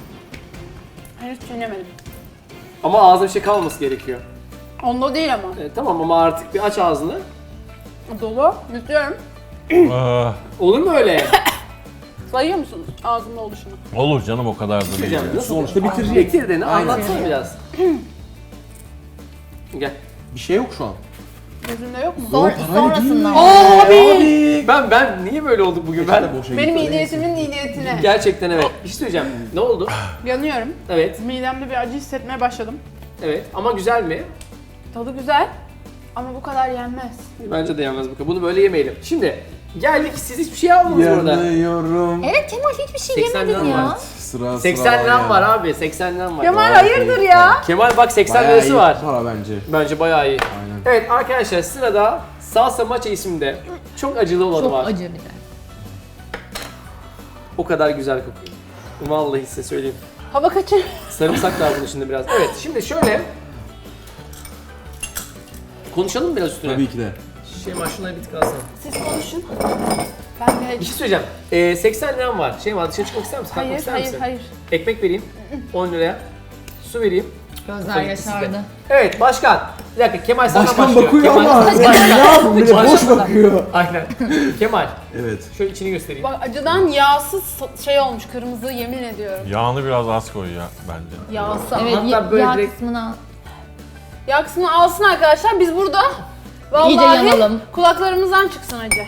Speaker 3: Henüz çiğnemedim.
Speaker 1: Ama ağzına bir şey kalmaması gerekiyor.
Speaker 3: Onda değil ama.
Speaker 1: E, tamam ama artık bir aç ağzını.
Speaker 3: Dolu. Yutuyorum.
Speaker 5: Ah,
Speaker 1: Olur mu öyle?
Speaker 3: Sayıyor musunuz ağzımda oluşunu?
Speaker 5: olur canım, o kadar da değil.
Speaker 1: Söyleyeceğim. Nasıl?
Speaker 2: Sonuçta bitirecek.
Speaker 1: Bitir de
Speaker 2: Aynen.
Speaker 1: anlatsana biraz. Gel.
Speaker 2: Bir şey yok şu an.
Speaker 3: Gözümde yok mu?
Speaker 6: Sonra, sonrasından.
Speaker 1: Abi! Ben ben niye böyle olduk bugün ben?
Speaker 2: Boşa
Speaker 3: Benim
Speaker 2: gitti.
Speaker 3: iyi niyetimin iyi niyetine.
Speaker 1: Gerçekten evet. Bir şey söyleyeceğim. Ne oldu?
Speaker 3: Yanıyorum.
Speaker 1: Evet.
Speaker 3: Midemde bir acı hissetmeye başladım.
Speaker 1: Evet. Ama güzel mi?
Speaker 3: Tadı güzel. Ama bu kadar yenmez.
Speaker 1: Bence de yalnız bu kadar. Bunu böyle yemeyelim. Şimdi geldik. Siz hiçbir şey almadınız burada.
Speaker 2: Yanıyorum.
Speaker 6: Evet Kemal, hiçbir şey
Speaker 1: seksen
Speaker 6: yemedin
Speaker 1: liram
Speaker 6: ya.
Speaker 1: var.
Speaker 2: Sıra
Speaker 1: seksen
Speaker 2: sıra
Speaker 1: liram var
Speaker 2: ya.
Speaker 1: abi. seksen liram var.
Speaker 3: Kemal
Speaker 2: Vay
Speaker 3: hayırdır
Speaker 2: be.
Speaker 3: ya?
Speaker 1: Kemal bak seksen
Speaker 2: Bayağı
Speaker 1: lirası
Speaker 2: iyi
Speaker 1: var.
Speaker 2: para bence.
Speaker 1: Bence bayağı iyi.
Speaker 2: Aynen.
Speaker 1: Evet arkadaşlar sırada Salsa Macha isimde çok acılı olanı
Speaker 6: Çok
Speaker 1: var.
Speaker 6: acı bir de.
Speaker 1: O kadar güzel kokuyor. Vallahi size söyleyeyim.
Speaker 3: Hava kaçır.
Speaker 1: Sarımsak da var bunun içinde biraz. Evet şimdi şöyle konuşalım mı biraz üstüne?
Speaker 2: Tabii ki de.
Speaker 1: Şeyma şunları bir tık alsana.
Speaker 3: Siz konuşun. Ben
Speaker 1: Bir
Speaker 3: de...
Speaker 1: şey söyleyeceğim. Ee, seksen liram var. Şeyma dışarı çıkmak ister misin? Kalkmak
Speaker 3: Hayır,
Speaker 1: ister
Speaker 3: hayır,
Speaker 1: misin?
Speaker 3: hayır.
Speaker 1: Ekmek vereyim. on liraya. Su vereyim.
Speaker 6: Gözler
Speaker 1: Tabii ki
Speaker 6: yaşardı.
Speaker 1: sizde. Evet başkan. Bir dakika Kemal senden
Speaker 2: Başkan
Speaker 1: başlıyor.
Speaker 2: bakıyor
Speaker 1: Kemal,
Speaker 2: ama.
Speaker 1: Başkan.
Speaker 2: Ne yapayım, bir de boş
Speaker 1: Başkan.
Speaker 2: bakıyor.
Speaker 1: Aynen. Kemal.
Speaker 2: Evet.
Speaker 1: Şöyle içini göstereyim.
Speaker 3: Bak acıdan yağsız şey olmuş, kırmızı, yemin ediyorum.
Speaker 5: Yağını biraz az koy ya bence.
Speaker 3: Yağsı.
Speaker 6: Evet,
Speaker 1: Hatta
Speaker 6: ya-
Speaker 1: böyle
Speaker 6: yağ
Speaker 1: direkt-
Speaker 6: kısmına
Speaker 3: Yağ kısmını alsın arkadaşlar, biz burada
Speaker 6: İyice
Speaker 3: vallahi
Speaker 6: yanalım.
Speaker 3: kulaklarımızdan çıksın acı.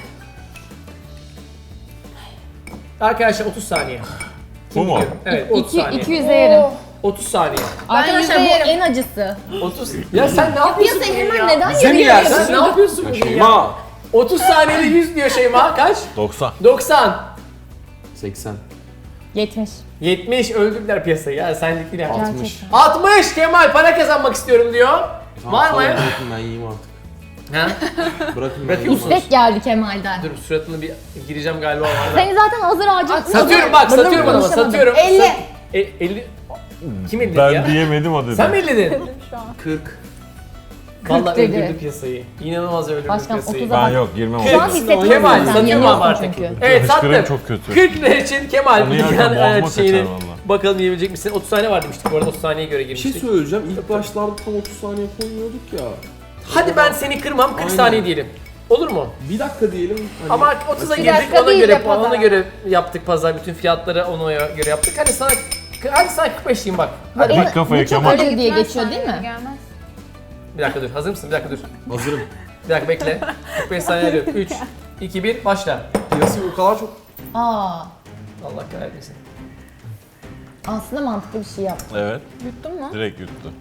Speaker 1: Arkadaşlar otuz saniye.
Speaker 5: Bu mu?
Speaker 1: Evet otuz
Speaker 6: iki,
Speaker 1: saniye.
Speaker 6: iki yüze yerim.
Speaker 3: Oo.
Speaker 1: otuz saniye.
Speaker 6: Arkadaşlar
Speaker 3: yüze
Speaker 6: bu
Speaker 3: yerim.
Speaker 6: en acısı.
Speaker 1: otuz. Ya sen ne yapıyorsun
Speaker 6: Piyasayı
Speaker 1: bugün
Speaker 6: hemen
Speaker 1: ya?
Speaker 6: neden
Speaker 2: Bize mi
Speaker 6: yarı
Speaker 2: yersin?
Speaker 1: Sen ne yapıyorsun bugün ya?
Speaker 2: Şeyma.
Speaker 1: otuz saniyede yüz diyor Şeyma. Kaç?
Speaker 5: doksan.
Speaker 1: doksan.
Speaker 2: seksen.
Speaker 6: yetmiş.
Speaker 1: yetmiş öldürdüler piyasayı ya senlik değil yani.
Speaker 2: altmış.
Speaker 1: altmış Kemal para kazanmak istiyorum diyor. Var mı?
Speaker 2: Bırakın ben yiyeyim artık.
Speaker 1: Ha?
Speaker 2: Bırakın ben
Speaker 1: Bırakıyor
Speaker 2: yiyeyim
Speaker 1: musun?
Speaker 2: artık.
Speaker 6: İstek geldi Kemal'den.
Speaker 1: Dur suratını bir gireceğim galiba var.
Speaker 6: Seni zaten hazır ağacın.
Speaker 1: Satıyorum bak
Speaker 6: Bırdım
Speaker 1: satıyorum adama
Speaker 6: konuşamadım.
Speaker 1: satıyorum.
Speaker 3: elli.
Speaker 1: Sat- E, elli. Kim elledi
Speaker 5: Ben
Speaker 1: ya?
Speaker 5: diyemedim o dedi.
Speaker 1: Sen mi elledin?
Speaker 3: Şu an.
Speaker 1: kırk. Vallahi
Speaker 6: dedi.
Speaker 1: öldürdü piyasayı. İnanılmaz öldürdü
Speaker 6: Başkan,
Speaker 1: piyasayı.
Speaker 6: otuza
Speaker 5: Ben yok girmem
Speaker 6: Şu an
Speaker 5: oraya.
Speaker 6: hissetmiyorum
Speaker 1: Kemal,
Speaker 6: sen.
Speaker 1: satıyorum
Speaker 6: Yeniyorsun
Speaker 1: artık.
Speaker 6: çünkü.
Speaker 1: Evet
Speaker 5: Hıçkırığım
Speaker 1: sattım.
Speaker 5: çok kötü.
Speaker 1: kırk lira için Kemal
Speaker 5: Onu
Speaker 1: bu
Speaker 5: yerken
Speaker 1: dünyanın
Speaker 5: boğazıma
Speaker 1: evet,
Speaker 5: kaçar
Speaker 1: şeyini
Speaker 5: valla.
Speaker 1: bakalım yiyebilecek misin? otuz saniye var demiştik bu arada otuz saniyeye göre
Speaker 2: Bir şey
Speaker 1: girmiştik.
Speaker 2: söyleyeceğim. İlk başlarda tam otuz saniye koymuyorduk ya.
Speaker 1: Hadi ben seni kırmam kırk
Speaker 2: Aynen.
Speaker 1: saniye diyelim. Olur mu?
Speaker 2: Bir dakika diyelim. Hani
Speaker 1: Ama otuza
Speaker 3: Bir
Speaker 1: girdik
Speaker 3: dakika
Speaker 1: ona
Speaker 3: değil
Speaker 1: göre
Speaker 3: de pazar.
Speaker 1: ona göre yaptık pazar bütün fiyatları ona göre yaptık. Hadi sana hadi sana kırk beş diyeyim bak. Hadi
Speaker 6: Evet.
Speaker 1: bak.
Speaker 5: Kafayı
Speaker 6: Bu çok
Speaker 5: Kemal.
Speaker 6: acı diye
Speaker 3: Gitmez
Speaker 6: geçiyor değil
Speaker 3: saniye
Speaker 6: mi?
Speaker 3: Gelmez.
Speaker 1: Bir dakika dur. Hazır mısın? Bir dakika dur.
Speaker 2: hazırım.
Speaker 1: Bir dakika bekle. kırk beş saniye arıyorum. üç, iki, bir başla.
Speaker 2: Piyasayı o kadar çok...
Speaker 6: Aa,
Speaker 1: Allah kahretmesin.
Speaker 6: aslında mantıklı bir şey yaptın.
Speaker 5: Evet.
Speaker 3: Yuttun mu?
Speaker 5: Direkt yuttu.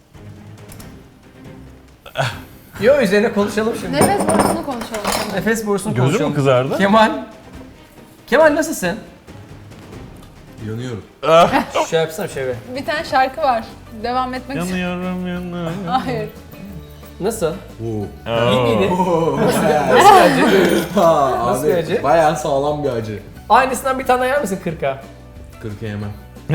Speaker 1: Yo üzerine konuşalım şimdi.
Speaker 3: Nefes borusunu konuşalım.
Speaker 1: Nefes borusunu
Speaker 5: Gözü
Speaker 1: konuşalım.
Speaker 5: mü kızardı?
Speaker 1: Kemal. Kemal nasılsın?
Speaker 2: Yanıyorum.
Speaker 1: Şey yapsana şöyle.
Speaker 3: Bir tane şarkı var. Devam etmek için.
Speaker 5: Yanıyorum yanıyorum.
Speaker 3: Hayır.
Speaker 1: Nasıl?
Speaker 2: Oo.
Speaker 1: İyi miydi?
Speaker 2: Oo.
Speaker 1: Nasıl bence?
Speaker 2: Ha,
Speaker 1: Nasıl
Speaker 2: abi,
Speaker 1: acı?
Speaker 2: bayağı sağlam bir acı.
Speaker 1: Aynısından bir tane yer misin kırka?
Speaker 2: kırka yemem.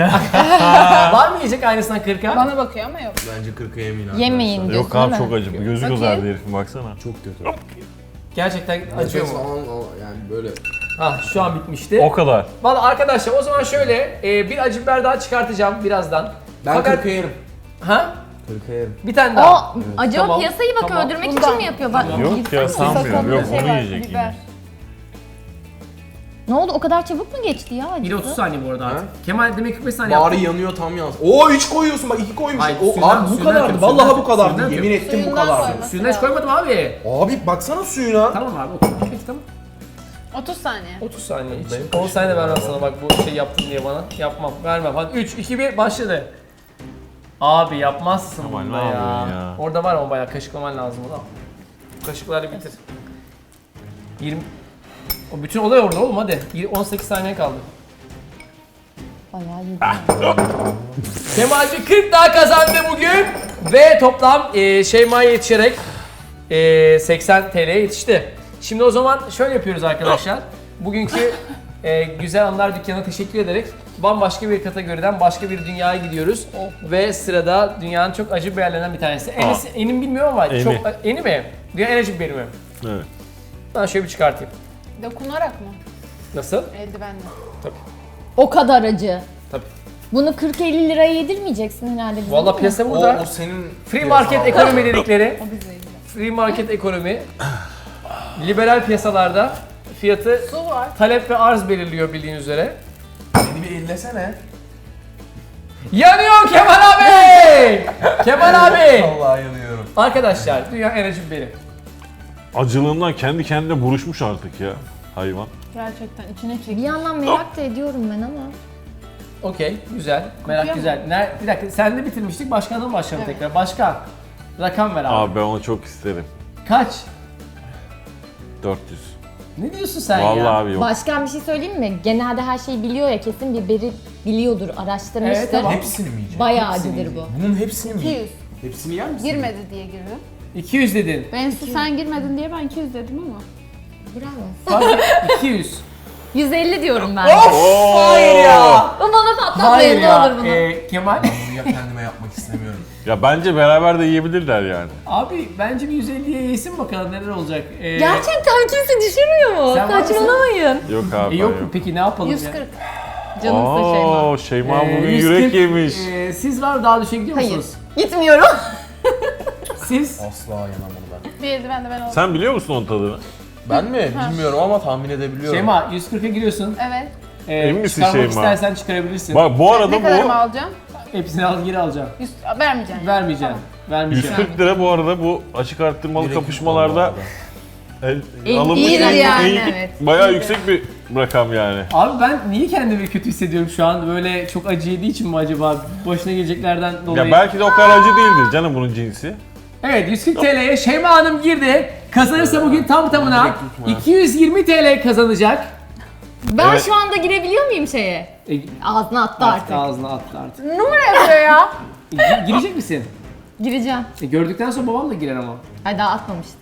Speaker 1: Var mı yiyecek aynısından kırka?
Speaker 3: Bana bakıyor ama yok.
Speaker 2: Bence kırka yemeyin arkadaşlar.
Speaker 6: Yemeyin diyorsun
Speaker 5: Yok abi
Speaker 6: değil mi?
Speaker 5: çok acı. Gözü
Speaker 3: Bakayım.
Speaker 5: kızardı herifin baksana.
Speaker 2: Çok kötü.
Speaker 1: Gerçekten acıyor
Speaker 2: Nefes
Speaker 1: mu?
Speaker 2: falan yani böyle.
Speaker 1: Ah şu an bitmişti.
Speaker 5: O kadar.
Speaker 1: Valla arkadaşlar o zaman şöyle e, bir acı biber daha çıkartacağım birazdan.
Speaker 2: Ben
Speaker 1: Fakat-
Speaker 2: kırka yerim.
Speaker 1: Ha?
Speaker 2: Kırka yerim.
Speaker 1: Bir tane daha.
Speaker 6: O acaba
Speaker 1: Tamam,
Speaker 6: piyasayı bak
Speaker 1: tamam.
Speaker 6: öldürmek
Speaker 3: Bundan.
Speaker 6: için mi yapıyor? Bak,
Speaker 5: Yok
Speaker 6: gitsene.
Speaker 5: ya sanmıyorum.
Speaker 3: Sakallı
Speaker 5: Yok
Speaker 3: şey
Speaker 5: onu
Speaker 3: var,
Speaker 5: yiyecek
Speaker 3: biber.
Speaker 5: yine.
Speaker 6: Ne oldu? O kadar çabuk mu geçti ya
Speaker 1: Bir de otuz
Speaker 6: acısı?
Speaker 1: saniye bu arada artık.
Speaker 2: Ha?
Speaker 1: Kemal demek kırk beş saniye
Speaker 2: Bari
Speaker 1: yaptı.
Speaker 2: yanıyor tam yansın. Oo üç koyuyorsun bak iki koymuşsun.
Speaker 1: Hayır,
Speaker 2: O
Speaker 1: suyundan-
Speaker 2: abi bu
Speaker 1: suyundan
Speaker 2: kadardı.
Speaker 1: yapıyorum,
Speaker 2: Vallahi
Speaker 1: suyundan
Speaker 2: bu kadardı.
Speaker 1: yapıyorum.
Speaker 2: Yemin ettim bu
Speaker 3: Suyundan
Speaker 2: kadardı.
Speaker 3: koyma.
Speaker 1: Suyundan hiç koymadım abi.
Speaker 2: Abi baksana suyuna.
Speaker 1: Tamam abi okey. Peki tamam.
Speaker 3: otuz saniye.
Speaker 1: otuz saniye hiç. on saniye vermem sana bak bu şey yaptın diye bana. Yapmam. Vermem. Hadi üç, iki, bir başladı. Abi yapmazsın
Speaker 5: Kemal,
Speaker 1: bunda
Speaker 5: ne
Speaker 1: ya.
Speaker 5: yapıyorsun ya?
Speaker 1: Orada var ama bayağı kaşıklaman lazım onu. Kaşıklarla bitir. yirmi O bütün olay orada oğlum hadi. Yir- on sekiz saniye kaldı.
Speaker 6: Bayağı iyi.
Speaker 1: Kemalci kırk daha kazandı bugün ve toplam e, Şeyma'ya yetişerek e, seksen T L'ye yetişti. Şimdi o zaman şöyle yapıyoruz arkadaşlar. Bugünkü e, Güzel Anlar Dükkanı'na teşekkür ederek bambaşka bir kategoriden başka bir dünyaya gidiyoruz. Ve sırada dünyanın çok acı biberlerinden bir tanesi. Enis, Enim bilmiyorum ama
Speaker 5: Eni.
Speaker 1: çok Eni mi? Dünyanın en acı biberi mi?
Speaker 5: Evet.
Speaker 1: Ben şöyle bir çıkartayım.
Speaker 3: Dokunarak mı?
Speaker 1: Nasıl?
Speaker 3: Eldivenle.
Speaker 6: O kadar acı.
Speaker 1: Tabii.
Speaker 6: Bunu kırk elli liraya yedirmeyeceksin herhalde bize.
Speaker 1: Valla
Speaker 6: değil mi?
Speaker 1: piyasa
Speaker 2: O,
Speaker 1: burada.
Speaker 2: o senin...
Speaker 1: Free market ekonomi dedikleri.
Speaker 3: O bize ilgili.
Speaker 1: Free market ekonomi. Liberal piyasalarda fiyatı
Speaker 3: Su var.
Speaker 1: talep ve arz belirliyor bildiğin üzere.
Speaker 2: Beni bir ellesene.
Speaker 1: Yanıyor Kemal abi! Kemal abi!
Speaker 2: Vallahi yanıyorum.
Speaker 1: Arkadaşlar dünya en acı biberi.
Speaker 5: Acılığından kendi kendine buruşmuş artık ya hayvan.
Speaker 3: Gerçekten içine
Speaker 6: Bir
Speaker 3: çekiyor.
Speaker 6: yandan merak da ediyorum ben ama.
Speaker 1: Okey, güzel. Merak
Speaker 3: Kokuyor
Speaker 1: güzel. Ner bir dakika, sen de bitirmiştik. Başkandan başlayalım
Speaker 3: Evet.
Speaker 1: tekrar. Başkan. Rakam ver abi.
Speaker 5: Abi ben onu çok isterim.
Speaker 1: Kaç?
Speaker 5: dört yüz.
Speaker 1: Ne diyorsun sen
Speaker 5: Vallahi
Speaker 1: ya?
Speaker 5: abi yok.
Speaker 6: Başkan bir şey söyleyeyim mi? Genelde her şeyi biliyor ya, kesin biberi biliyordur, araştırmıştır.
Speaker 1: Evet, tamam.
Speaker 2: Hepsini mi yiyeceksin?
Speaker 6: Bayağı
Speaker 2: Hepsini
Speaker 6: acıdır bu.
Speaker 2: yiyeceksin. Bunun hepsini mi
Speaker 3: iki yüz.
Speaker 2: yiyeceksin? Hepsini yer misin?
Speaker 3: Girmedi diye girdim.
Speaker 1: iki yüz dedin.
Speaker 3: Ben sen girmedin diye ben iki yüz dedim ama.
Speaker 6: Bravo.
Speaker 1: Fazla iki yüz.
Speaker 6: yüz elli diyorum ben.
Speaker 1: Hayır ya.
Speaker 6: O bana
Speaker 1: Hayır
Speaker 6: patlatmayın ne
Speaker 1: ya.
Speaker 6: olur bunu.
Speaker 1: Ee, Kemal.
Speaker 2: Bunu ya kendime yapmak istemiyorum.
Speaker 5: Ya bence beraber de yiyebilirler yani.
Speaker 1: Abi bence bir yüz elliye yesin bakalım neler olacak. Ee,
Speaker 6: Gerçekten kimse düşünmüyor mu?
Speaker 1: Sen var mısın?
Speaker 6: Saçmalamayın.
Speaker 5: Yok abi.
Speaker 1: E, yok
Speaker 5: ben
Speaker 1: mu peki ne yapalım
Speaker 3: yüz
Speaker 1: ya?
Speaker 3: kırk.
Speaker 6: Canımsın Şeyma.
Speaker 5: Oo, Şeyma
Speaker 1: Ee,
Speaker 5: bugün
Speaker 1: yüz
Speaker 5: yürek
Speaker 1: kırk,
Speaker 5: yemiş.
Speaker 1: e, siz var mı daha düşe gidiyor
Speaker 6: Hayır.
Speaker 1: musunuz?
Speaker 6: Gitmiyorum.
Speaker 1: Siz?
Speaker 2: Asla yemem onu ben.
Speaker 3: Bir eldiven de ben oldum.
Speaker 5: Sen biliyor musun onun tadını?
Speaker 2: Ben mi? Bilmiyorum ama tahmin edebiliyorum.
Speaker 1: Şeyma yüz kırka giriyorsun.
Speaker 3: Evet.
Speaker 1: Ee,
Speaker 5: Emin misin
Speaker 1: çıkarmak
Speaker 5: Şeyma?
Speaker 1: istersen çıkarabilirsin.
Speaker 5: Bak bu arada
Speaker 3: Ne kadar mı
Speaker 5: bu
Speaker 3: alacağım?
Speaker 1: Hepsini al geri alacağım.
Speaker 3: yüz, vermeyeceğim. yani.
Speaker 1: Vermeyeceğim. Vermeyeceğim.
Speaker 5: yüz kırk lira bu arada bu açık arttırmalı
Speaker 2: Direkt
Speaker 5: kapışmalarda
Speaker 2: yüz
Speaker 5: el, alınmış
Speaker 3: iyidir
Speaker 5: en-
Speaker 3: yani,
Speaker 5: en-
Speaker 3: evet.
Speaker 5: bayağı
Speaker 3: İyidir.
Speaker 5: yüksek bir rakam yani.
Speaker 1: Abi ben niye kendimi kötü hissediyorum şu an? Böyle çok acı yediği için mi acaba? Başına geleceklerden dolayı.
Speaker 5: Ya belki de o kadar acı değildir canım bunun cinsi.
Speaker 1: Evet yüz kırk T L'ye Şeyma Hanım girdi. Kazanırsa bugün tam tamına
Speaker 2: Direkt tutma.
Speaker 1: iki yüz yirmi T L kazanacak.
Speaker 6: Ben
Speaker 5: Evet.
Speaker 6: şu anda girebiliyor muyum şeye?
Speaker 1: E,
Speaker 6: Ağzına attı
Speaker 1: artık
Speaker 6: artık.
Speaker 1: ağzına attı artık.
Speaker 3: Numara yapıyor ya.
Speaker 1: E, gi- girecek misin?
Speaker 6: Gireceğim.
Speaker 1: E, gördükten sonra babam da girer ama.
Speaker 6: Ay daha atmamıştım.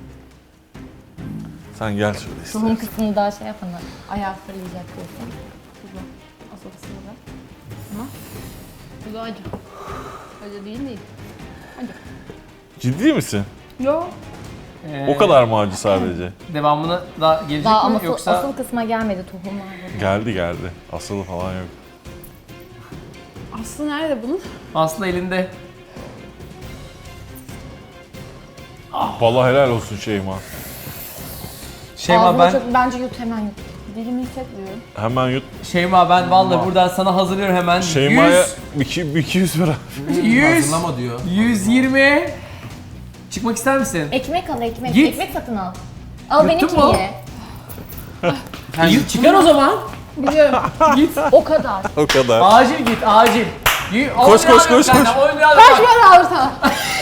Speaker 5: Sen gel şöyle işte.
Speaker 6: Tohum kısmını daha şey yapana. Ayağı fırlayacak diyorsun.
Speaker 3: Tuzlu. Asıl da. Ama bu da acı. Acı değil değil. Acı.
Speaker 5: Ciddi misin?
Speaker 3: Yo.
Speaker 1: Ee,
Speaker 5: O kadar mı acı sadece?
Speaker 1: Devamına da gelecek
Speaker 6: Daha
Speaker 1: mi
Speaker 6: ama asıl,
Speaker 1: yoksa?
Speaker 6: asıl kısma gelmedi tohumlar.
Speaker 5: Geldi geldi. Asılı falan yok.
Speaker 3: Aslı nerede bunun?
Speaker 1: Aslı elinde.
Speaker 5: Vallahi helal olsun Şeyma.
Speaker 1: Şeyma
Speaker 6: Ağzına
Speaker 1: ben
Speaker 6: çok, bence yut hemen yut.
Speaker 3: Dilimi hissetmiyorum.
Speaker 5: Hemen yut.
Speaker 1: Şeyma ben vallahi buradan sana hazırlıyorum hemen.
Speaker 5: Şeyma'ya iki- iki yüz lira.
Speaker 1: yüz,
Speaker 2: Hazırlama diyor.
Speaker 1: yüz yirmi. Çıkmak ister misin?
Speaker 6: Ekmek al ekmek.
Speaker 1: Git.
Speaker 6: Ekmek satın al. Al
Speaker 1: Yuttun
Speaker 6: benimkini
Speaker 1: mu?
Speaker 6: ye.
Speaker 1: Y- Çıkar o zaman.
Speaker 3: Biliyorum.
Speaker 1: Git.
Speaker 6: O kadar.
Speaker 5: O kadar.
Speaker 1: Acil git, acil. Y- on
Speaker 5: Koş,
Speaker 1: lira
Speaker 5: koş,
Speaker 1: alıyorum
Speaker 5: koş,
Speaker 1: senden,
Speaker 5: koş.
Speaker 1: on lira
Speaker 3: Kaç
Speaker 1: alıyorum.
Speaker 3: para alır sana?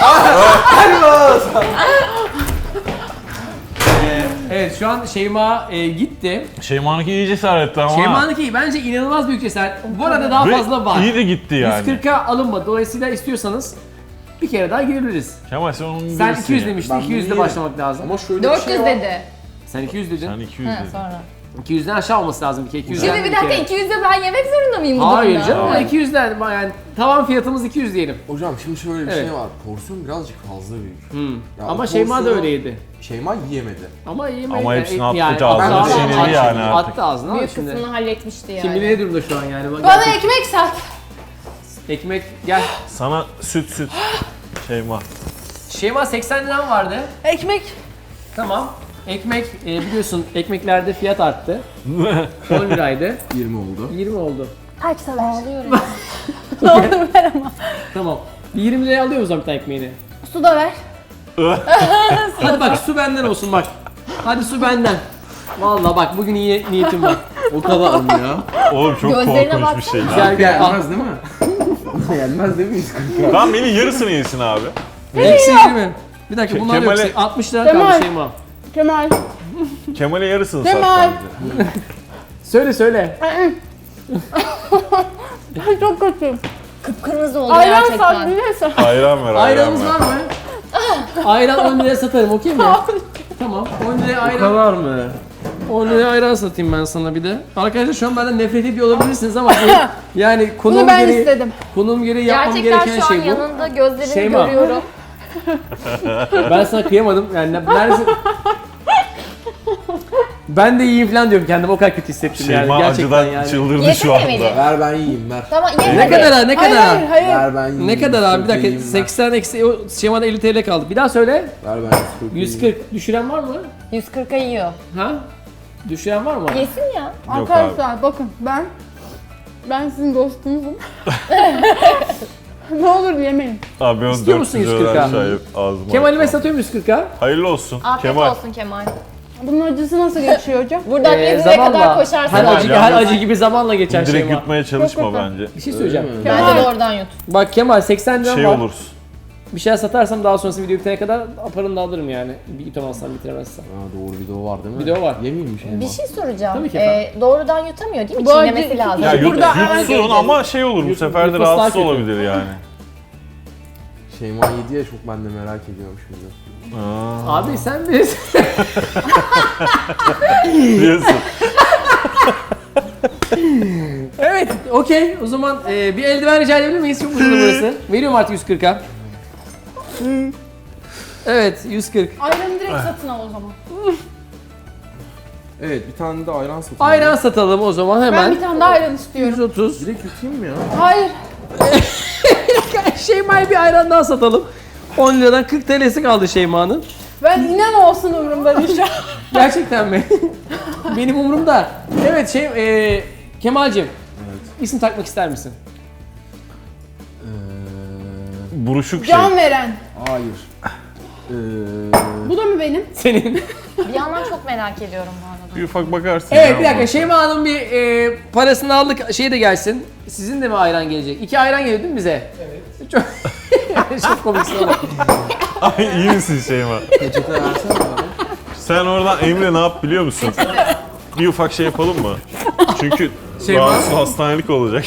Speaker 1: Ee, evet şu an Şeyma e, gitti.
Speaker 5: Şeyma'nınki iyi cesaretli ama.
Speaker 1: Şeyma'nınki bence inanılmaz büyük cesaret. Bu arada daha
Speaker 5: Ve
Speaker 1: fazla var.
Speaker 5: İyi de gitti yani.
Speaker 1: yüz kırka alınmadı. Dolayısıyla istiyorsanız bir kere daha girebiliriz.
Speaker 5: Kemal sen onun
Speaker 1: Sen
Speaker 5: birisi
Speaker 1: iki yüz
Speaker 5: ya.
Speaker 1: demiştin.
Speaker 2: Ben
Speaker 1: iki yüzde
Speaker 2: bunu
Speaker 1: başlamak lazım.
Speaker 2: Ama şöyle bir
Speaker 6: dört yüz
Speaker 2: şey var.
Speaker 6: dedi.
Speaker 1: Sen iki yüz dedin.
Speaker 5: Sen iki yüz
Speaker 6: Ha,
Speaker 5: dedin.
Speaker 6: sonra.
Speaker 1: iki yüzden aşağı olması lazım ki. iki yüzden
Speaker 6: Şimdi bir
Speaker 1: kere.
Speaker 6: dakika iki yüzde ben yemek zorunda mıyım bu
Speaker 1: Hayır
Speaker 6: durumda?
Speaker 1: canım iki yüzden yani tavan fiyatımız iki yüz diyelim.
Speaker 2: Hocam şimdi şöyle bir
Speaker 1: Evet.
Speaker 2: şey var. Porsiyon birazcık fazla büyük.
Speaker 1: Hmm.
Speaker 2: Ya
Speaker 1: Ama
Speaker 2: o
Speaker 1: Şeyma da
Speaker 2: porsiyonu
Speaker 1: öyleydi.
Speaker 2: Şeyma yiyemedi.
Speaker 1: Ama iyi
Speaker 5: Ama hepsini attı
Speaker 1: yani,
Speaker 5: ağzına,
Speaker 1: attı,
Speaker 2: sinirli
Speaker 1: attı,
Speaker 5: yani artık.
Speaker 1: Attı ağzına ama
Speaker 6: Büyük
Speaker 1: şimdi.
Speaker 6: kısmını halletmişti yani.
Speaker 1: Kim bilir ne durumda şu an yani. Bak,
Speaker 3: Bana
Speaker 1: gerçek-
Speaker 3: ekmek sat.
Speaker 1: ekmek gel.
Speaker 5: Sana süt süt. Şeyma.
Speaker 1: Şeyma seksen liram vardı.
Speaker 3: Ekmek.
Speaker 1: Tamam. Ekmek e, biliyorsun ekmeklerde fiyat arttı. on liraydı.
Speaker 2: yirmi oldu.
Speaker 1: yirmi oldu.
Speaker 3: Kaç sever?
Speaker 6: Ağlıyorum.
Speaker 3: Ne olur ver ama.
Speaker 1: Tamam. Bir yirmi liraya alıyor o zaman bir tane ekmeğini.
Speaker 3: Su da ver.
Speaker 1: Hadi bak su benden olsun bak. Hadi su benden. Vallahi bak bugün iyi niyetim var.
Speaker 2: O kadar mı ya?
Speaker 5: Oğlum çok
Speaker 6: Gözlerine
Speaker 5: korkunç bir şey.
Speaker 1: Gel gel al.
Speaker 2: Gelmez değil mi? Gelmez değil mi?
Speaker 5: Tamam beni yarısını yesin abi.
Speaker 1: Eksi yirmi. Bir dakika
Speaker 5: Ke-
Speaker 1: bunlar
Speaker 5: Kemal'e-
Speaker 1: yok. altmış lira
Speaker 3: Kemal.
Speaker 1: kaldı Şeyma.
Speaker 3: Kemal.
Speaker 5: Kemal'e yarısını sat
Speaker 3: Kemal.
Speaker 5: bence.
Speaker 1: Söyle söyle.
Speaker 3: Ben çok kötüyüm.
Speaker 6: Kıpkırmızı oldu
Speaker 3: Ayran sat
Speaker 6: gerçekten.
Speaker 3: biliyorsun.
Speaker 5: Ayran ver ayran
Speaker 1: Ayranımız
Speaker 5: ver.
Speaker 1: var mı? Ayran on liraya satarım okey mi? Tamam. on liraya ayran.
Speaker 2: kadar mı?
Speaker 1: on liraya ayran satayım ben sana bir de. Arkadaşlar şu an benden nefret ediyor olabilirsiniz ama bu yani konum
Speaker 3: Bunu ben
Speaker 1: gereği,
Speaker 3: istedim.
Speaker 1: konum gereği yapmam
Speaker 6: Gerçekten
Speaker 1: gereken
Speaker 6: şu an
Speaker 1: şey bu.
Speaker 6: yanında gözlerini
Speaker 1: Şeyma.
Speaker 6: görüyorum.
Speaker 1: Ben sana kıyamadım. Yani ne- neredesin? Ben de iyiyim falan diyorum kendime o kadar kötü hissettim yani
Speaker 5: Şeyma
Speaker 1: gerçekten
Speaker 5: acıdan
Speaker 1: yani.
Speaker 5: çıldırdı şu
Speaker 6: Yesene beni.
Speaker 5: anda.
Speaker 2: Ver ben yiyeyim ver.
Speaker 6: Tamam ye
Speaker 1: Ne
Speaker 6: hadi.
Speaker 1: kadar ha ne
Speaker 3: Hayır
Speaker 1: kadar
Speaker 3: hayır
Speaker 1: ha?
Speaker 3: hayır.
Speaker 2: Ver ben yiyeyim.
Speaker 1: Ne kadar abi bir dakika
Speaker 2: yiyeyim, ver.
Speaker 1: seksen eksi o şemada elli TL kaldı. Bir daha söyle.
Speaker 2: Ver ben
Speaker 1: yüz kırk düşüren var mı?
Speaker 6: yüz kırka yiyor.
Speaker 1: Ha? Düşüren var mı?
Speaker 6: Yesin ya.
Speaker 5: Yok
Speaker 3: Arkadaşlar bakın ben ben sizin dostunuzum. Ne olur yemeyin.
Speaker 5: Abi ben
Speaker 1: İstiyor
Speaker 5: dört
Speaker 1: musun
Speaker 5: yüz
Speaker 1: yüz
Speaker 5: lira
Speaker 1: kırka?
Speaker 5: aşağı ağzıma
Speaker 1: Kemal'ime
Speaker 5: atmam.
Speaker 1: satıyorum yüz kırka.
Speaker 5: Hayırlı olsun.
Speaker 6: Afiyet
Speaker 5: Kemal.
Speaker 6: olsun Kemal.
Speaker 3: Bunun acısı nasıl geçiyor hocam?
Speaker 6: Buradan
Speaker 1: Ee,
Speaker 6: İzmir'e kadar koşarsın.
Speaker 1: her
Speaker 5: Kemal,
Speaker 1: acı,
Speaker 5: yalnız-
Speaker 1: her acı gibi zamanla geçer
Speaker 5: Direkt
Speaker 1: Şeyma.
Speaker 5: yutmaya çalışma
Speaker 3: Çok kötü.
Speaker 5: bence.
Speaker 1: Bir şey söyleyeceğim.
Speaker 2: Öyle mi?
Speaker 3: Kemal.
Speaker 6: Hadi de oradan yut.
Speaker 1: Bak Kemal seksen lira
Speaker 5: Şey
Speaker 1: var.
Speaker 5: olursun.
Speaker 1: Bir şeyler satarsam daha sonrası video bitene kadar aparını da alırım yani. Bir yutamazsam bitiremezsem.
Speaker 2: Ha doğru video var değil mi?
Speaker 1: Video var.
Speaker 2: Yemeyeyim mi Şeyma?
Speaker 6: Bir şey soracağım.
Speaker 1: Tabii ki efendim.
Speaker 6: Ee, doğrudan yutamıyor değil mi?
Speaker 3: Bu acı-
Speaker 6: Çiğnemesi lazım.
Speaker 5: Ya yut,
Speaker 3: Burada
Speaker 5: yutsun ama şey olur bu
Speaker 1: Yut-
Speaker 5: sefer de
Speaker 1: yutması daha
Speaker 5: rahatsız
Speaker 1: kötü.
Speaker 5: olabilir yani.
Speaker 2: Şeyma yedi ya çok ben de merak ediyorum şimdi.
Speaker 5: Aa,
Speaker 1: Abi sen bilirsin.
Speaker 5: diyorsun.
Speaker 1: Evet, okey. O zaman e, bir eldiven rica edebilir miyiz? Çok uzun burası. Veriyorum artık yüz kırka. Evet, yüz kırk.
Speaker 3: Ayranı direkt satın al o zaman.
Speaker 2: Evet bir tane de ayran satayım.
Speaker 1: Ayran satalım o zaman
Speaker 3: Ben
Speaker 1: hemen.
Speaker 3: bir tane daha ayran istiyorum.
Speaker 1: yüz otuz.
Speaker 2: Direkt yutayım mı ya?
Speaker 3: Hayır.
Speaker 1: Şeyma'ya bir ayran daha satalım. on liradan kırk T L'si kaldı Şeyma'nın.
Speaker 3: Ben inan olsun umurumda değil şu an.
Speaker 1: Gerçekten mi? Benim umurumda. Evet şey, e, Kemal'cim.
Speaker 2: Evet.
Speaker 1: İsim takmak ister misin?
Speaker 2: Ee,
Speaker 5: Buruşuk şey.
Speaker 3: Can veren.
Speaker 2: hayır. Ee,
Speaker 3: Bu da mı benim?
Speaker 1: Senin.
Speaker 6: Bir yandan çok merak ediyorum bu arada.
Speaker 5: Bir ufak bakarsın.
Speaker 1: Evet
Speaker 5: ya
Speaker 1: bir dakika
Speaker 5: ona.
Speaker 1: Şeyma'nın bir e, parasını aldık şey de gelsin. Sizin de mi ayran gelecek? İki ayran geliyor değil mi bize? Evet. Çok, çok komiksin oğlum.
Speaker 5: Ay iyi misin Şeyma?
Speaker 2: peçete versene bana.
Speaker 5: Sen oradan Emre ne yap biliyor musun? Bir ufak şey yapalım mı? Çünkü
Speaker 1: Şeyma.
Speaker 5: rahatsız hastanelik olacak.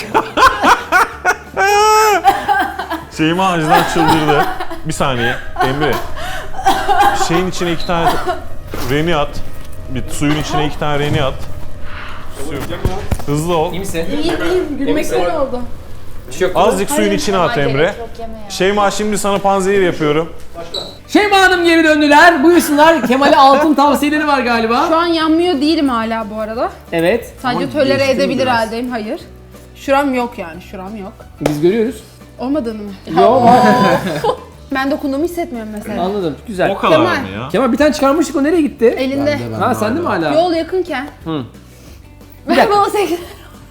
Speaker 5: Şeyma acıdan çıldırdı. Bir saniye Emre. Şeyin içine iki tane reni at. Bir suyun içine iki tane reni at. Suyu. Hızlı ol.
Speaker 1: İyi misin?
Speaker 3: İyiyim iyiyim. Gülmekten oldu.
Speaker 1: Bir şey yok.
Speaker 5: Azıcık suyun içine at
Speaker 6: Kemal
Speaker 5: Emre.
Speaker 6: gerek yok, yeme ya.
Speaker 5: Şeyma şimdi sana panzehir yapıyorum.
Speaker 1: Şeyma Hanım geri döndüler. Buyursunlar. Kemal'e altın tavsiyeleri var galiba.
Speaker 3: Şu an yanmıyor değilim hala bu arada.
Speaker 1: Evet.
Speaker 3: Sadece
Speaker 2: Ama
Speaker 3: tolere
Speaker 2: geçti mi
Speaker 3: edebilir
Speaker 2: biraz?
Speaker 3: haldeyim. Hayır. Şuram yok yani. Şuram yok.
Speaker 1: Biz görüyoruz.
Speaker 3: Olmadığını mı?
Speaker 1: Yok.
Speaker 3: Ben dokunduğumu hissetmiyorum mesela.
Speaker 1: Anladım. Güzel.
Speaker 5: O kadar
Speaker 3: Kemal.
Speaker 5: mı ya?
Speaker 1: Kemal bir tane çıkarmıştık, o nereye gitti?
Speaker 3: Elinde.
Speaker 2: Ben de, ben
Speaker 1: Ha
Speaker 2: de
Speaker 1: sende mi
Speaker 2: hala.
Speaker 1: hala?
Speaker 3: Yol yakınken.
Speaker 1: Hı.
Speaker 3: Ver bana seksen.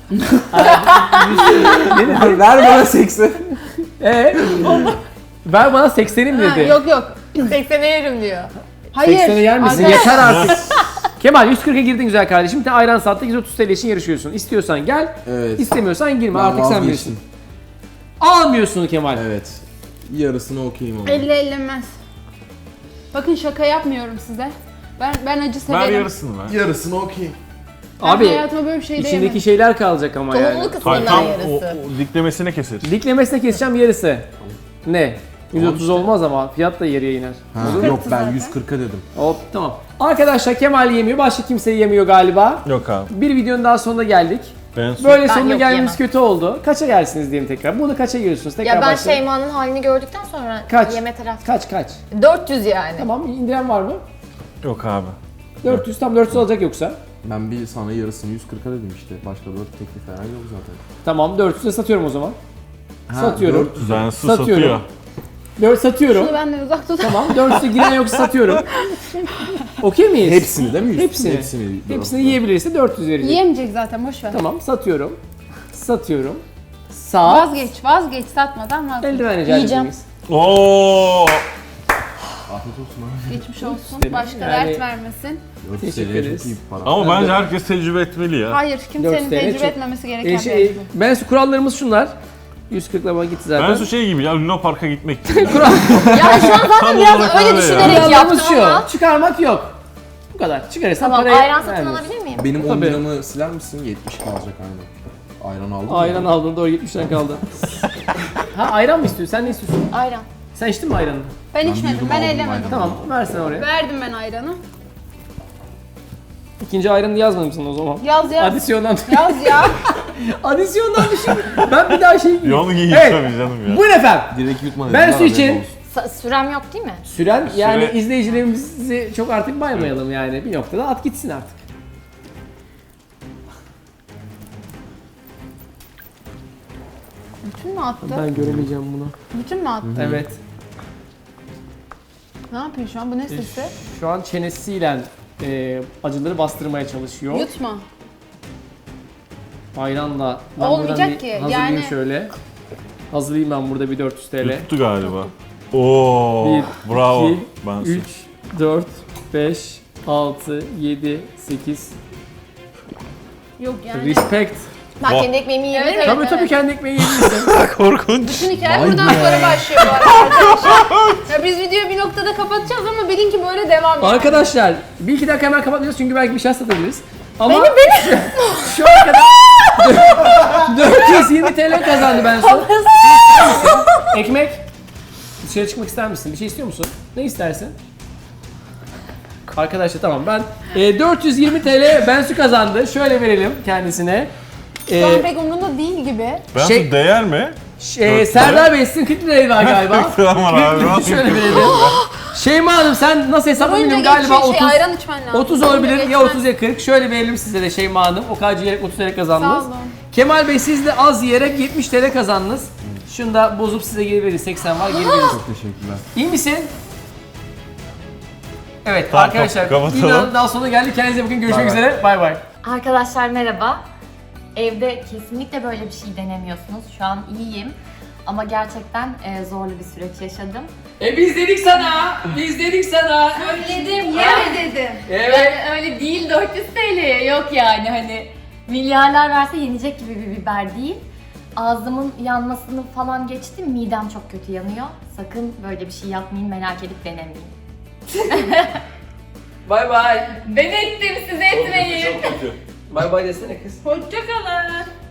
Speaker 2: Ver bana seksi.
Speaker 1: Ee, ver bana seksenim
Speaker 3: Ha,
Speaker 1: dedi.
Speaker 3: yok yok.
Speaker 6: seksene yerim diyor.
Speaker 3: Hayır.
Speaker 1: seksene yer misin?
Speaker 3: Arkadaş-
Speaker 1: Yeter artık. Kemal yüz kırka girdin güzel kardeşim. Bir tane ayran sattı, yüz otuz T L için yarışıyorsun. İstiyorsan gel,
Speaker 2: Evet.
Speaker 1: istemiyorsan girme.
Speaker 2: Ben
Speaker 1: Artık sen
Speaker 2: vazgeçtim.
Speaker 1: bilirsin. Almıyorsun Kemal.
Speaker 2: Evet. Yarısını okuyayım ama.
Speaker 3: Elle ellenmez. Bakın şaka yapmıyorum size. Ben ben acı severim.
Speaker 5: Ver yarısını ver.
Speaker 2: Yarısını okuyayım.
Speaker 3: Ben
Speaker 1: Abi
Speaker 3: hayatıma böyle bir şey de
Speaker 1: içindeki
Speaker 3: yemedim.
Speaker 1: şeyler kalacak ama yani.
Speaker 6: Tohumlu
Speaker 5: Hayır,
Speaker 6: kısmından
Speaker 5: tam o,
Speaker 6: yarısı.
Speaker 5: o diklemesine keseriz.
Speaker 1: Diklemesine keseceğim yarısı. Ne? yüz otuz olmaz ama fiyat da yarıya iner.
Speaker 2: Ha, yok ben yüz kırka dedim.
Speaker 1: Hop tamam. Arkadaşlar Kemal yemiyor, başka kimse yemiyor galiba.
Speaker 5: Yok abi.
Speaker 1: Bir videonun daha sonuna geldik.
Speaker 5: Ben su...
Speaker 1: Böyle
Speaker 6: Ben
Speaker 1: sonuna
Speaker 6: yok,
Speaker 1: gelmemiz
Speaker 6: yemem.
Speaker 1: kötü oldu. Kaça gelsiniz diyeyim tekrar. Bunu kaça giriyorsunuz? Tekrar
Speaker 6: Ya ben
Speaker 1: başlayalım.
Speaker 6: Şeyma'nın halini gördükten sonra
Speaker 1: Kaç?
Speaker 6: yeme taraf.
Speaker 1: Kaç kaç?
Speaker 6: dört yüz yani.
Speaker 1: Tamam, indiren var mı?
Speaker 5: Yok abi.
Speaker 1: dört yüz, tam dört yüz alacak yoksa.
Speaker 2: Ben bir sana yarısını yüz kırka dedim işte. Başka dört teklif falan yok zaten.
Speaker 1: Tamam, dört yüze satıyorum o zaman.
Speaker 2: Ha,
Speaker 1: Satıyorum.
Speaker 2: dört yüz.
Speaker 5: Ben su
Speaker 1: Satıyorum.
Speaker 5: satıyor.
Speaker 1: dört satıyorum.
Speaker 3: Şunu benden uzak tut.
Speaker 1: Tamam, dört yüze giren yoksa satıyorum. Okey miyiz?
Speaker 2: Hepsini değil mi? Yüz-
Speaker 1: Hepsini.
Speaker 2: Hepsini.
Speaker 1: Hepsini yiyebilirse dört yüz verecek.
Speaker 3: Yiyemeyecek zaten boş ver.
Speaker 1: Tamam, satıyorum. Satıyorum. Sağ.
Speaker 3: Vazgeç, vazgeç satmadan vazgeç.
Speaker 1: Eldiven rica
Speaker 6: Yiyeceğim.
Speaker 1: edemeyiz.
Speaker 5: Oo.
Speaker 2: Afiyet olsun abi.
Speaker 3: Geçmiş olsun.
Speaker 1: İsterim.
Speaker 3: Başka
Speaker 1: Yani-
Speaker 3: dert vermesin.
Speaker 2: dört
Speaker 1: Teşekkür
Speaker 2: T L'ye
Speaker 1: ederiz.
Speaker 2: çok iyi bir para.
Speaker 5: Ama
Speaker 1: Ben
Speaker 5: bence
Speaker 1: de-
Speaker 5: herkes tecrübe etmeli ya.
Speaker 3: Hayır,
Speaker 1: dört
Speaker 3: kimsenin
Speaker 1: sene
Speaker 3: tecrübe
Speaker 1: çok-
Speaker 3: etmemesi gereken
Speaker 1: E,
Speaker 3: bir
Speaker 1: şey,
Speaker 3: mevzu.
Speaker 1: ben su kurallarımız şunlar. yüz kırk lira gitti zaten.
Speaker 5: Ben su şey gibi ya Luna Park'a gitmek gibi.
Speaker 1: Kural.
Speaker 6: Ya şu an zaten
Speaker 5: Tam
Speaker 6: biraz
Speaker 5: olarak
Speaker 6: öyle
Speaker 5: öyle
Speaker 6: düşünerek
Speaker 5: ya.
Speaker 1: Kurallarımız
Speaker 6: yaptım
Speaker 1: şu.
Speaker 6: ama.
Speaker 1: Çıkarmak yok. Bu kadar. Çıkarırsan
Speaker 6: Tamam,
Speaker 1: parayı
Speaker 6: ayran satın
Speaker 1: vermiyorsun.
Speaker 6: alabilir miyim?
Speaker 2: Benim on
Speaker 1: Tabii.
Speaker 2: liramı siler misin? yetmiş kalacak aynen. Ayran aldım.
Speaker 1: Ayran
Speaker 2: mı?
Speaker 1: aldın, doğru yetmişten kaldı. Ha ayran mı istiyorsun? Sen ne istiyorsun?
Speaker 6: Ayran.
Speaker 1: Sen içtin mi ayranı?
Speaker 3: Ben
Speaker 2: bir
Speaker 3: içmedim,
Speaker 2: yudum
Speaker 3: ben
Speaker 2: aldım
Speaker 3: ellemedim.
Speaker 2: ayranı.
Speaker 1: Tamam, versene oraya.
Speaker 3: Verdim ben ayranı.
Speaker 1: İkinci ayranı yazmamışsın o zaman.
Speaker 3: Yaz yaz.
Speaker 1: Adisyondan.
Speaker 3: Yaz ya.
Speaker 1: Adisyondan düşün. Ben bir daha şey giyeyim.
Speaker 5: Yolu giyin
Speaker 1: Evet.
Speaker 5: tabii canım ya.
Speaker 1: Buyurun efendim.
Speaker 2: Direkt yutma
Speaker 1: Ben
Speaker 2: dedim,
Speaker 1: su
Speaker 2: haberin
Speaker 1: için-
Speaker 2: olsun.
Speaker 6: Sa- sürem yok değil mi?
Speaker 1: Süren yani
Speaker 5: Süre-
Speaker 1: izleyicilerimizi çok artık baymayalım yani. Bir noktada at gitsin artık.
Speaker 3: Bütün mü attı?
Speaker 1: Ben göremeyeceğim bunu.
Speaker 3: Bütün mü attı?
Speaker 1: Evet.
Speaker 3: Ne yapıyor şu an? Bu ne sesi?
Speaker 1: Şu an çenesiyle e, acıları bastırmaya çalışıyor.
Speaker 3: Yutma.
Speaker 1: Ayranla. Ben
Speaker 3: Olmayacak
Speaker 1: buradan bir
Speaker 3: ki,
Speaker 1: hazırlayayım
Speaker 3: yani-
Speaker 1: şöyle. Hazırlayayım ben burada bir dört yüz T L.
Speaker 5: Tuttu galiba. Oo.
Speaker 1: Bir,
Speaker 5: Bravo.
Speaker 1: iki,
Speaker 5: Ben su.
Speaker 1: üç, dört, beş, altı, yedi, sekiz.
Speaker 3: Yok yani.
Speaker 1: Respect.
Speaker 6: Ben
Speaker 5: Bak.
Speaker 6: kendi ekmeğimi yiyebilir
Speaker 3: Evet,
Speaker 6: miyim?
Speaker 1: Tabii tabii kendi ekmeği yiyebilirsin.
Speaker 5: Korkunç.
Speaker 3: Bütün hikaye
Speaker 2: Vay
Speaker 3: buradan
Speaker 2: be.
Speaker 3: sonra başlıyor bu arada arkadaşlar. Ya biz videoyu bir noktada kapatacağız ama bilin ki böyle devam ediyor.
Speaker 1: Arkadaşlar bir iki dakika hemen kapatmayacağız çünkü belki bir şey satabiliriz. Ama benim benim. Şu ana kadar dört yüz yirmi T L kazandı ben son. Ekmek. Dışarı çıkmak ister misin? Bir şey istiyor musun? Ne istersin? Arkadaşlar tamam ben e, dört yüz yirmi T L Bensu kazandı. Şöyle verelim kendisine.
Speaker 3: Şu an
Speaker 1: E,
Speaker 3: pek umurunda değil gibi.
Speaker 5: Ben
Speaker 1: Şey-
Speaker 5: su değer mi?
Speaker 1: e, Serdar Bey sizin kırk lirayı var galiba.
Speaker 5: Tamam abi.
Speaker 1: Şöyle verelim. Şeyma Hanım sen nasıl hesapla
Speaker 3: Boyunca
Speaker 1: bilmiyorum galiba
Speaker 3: geçecek şey,
Speaker 1: otuz.
Speaker 3: ayran içmen lazım.
Speaker 1: otuz
Speaker 3: Boyunca
Speaker 1: olabilir ya
Speaker 3: geçmez.
Speaker 1: otuz ya kırk. Şöyle verelim size de Şeyma Hanım. O kadar yiyerek otuz T L kazandınız.
Speaker 3: Sağ olun.
Speaker 1: Kemal Bey siz de az yiyerek yetmiş T L kazandınız. Şunu da bozup size geri veririz. seksen var geri veririz.
Speaker 2: Çok teşekkürler.
Speaker 1: İyi misin? Evet
Speaker 5: Tamam,
Speaker 1: arkadaşlar
Speaker 5: kapatalım.
Speaker 1: videonun daha sonuna geldik. Kendinize bakın. Görüşmek
Speaker 2: Bay bay.
Speaker 1: üzere. Bay bay.
Speaker 6: Arkadaşlar merhaba. Evde kesinlikle böyle bir şey denemiyorsunuz. Şu an iyiyim. Ama gerçekten e, zorlu bir süreç yaşadım.
Speaker 1: E biz dedik sana. Biz dedik sana.
Speaker 6: Söyledim
Speaker 3: Öyle dedim.
Speaker 1: Evet.
Speaker 6: öyle değil dört yüz T L'ye yok yani hani milyarlar verse yenecek gibi bir biber değil. Ağzımın yanmasını falan geçtim. Midem çok kötü yanıyor. Sakın böyle bir şey yapmayın, merak edip denemeyin.
Speaker 1: Bay bay.
Speaker 6: Ben ettim, siz etmeyin.
Speaker 1: Bay bay desene kız.
Speaker 3: Hoşçakalın.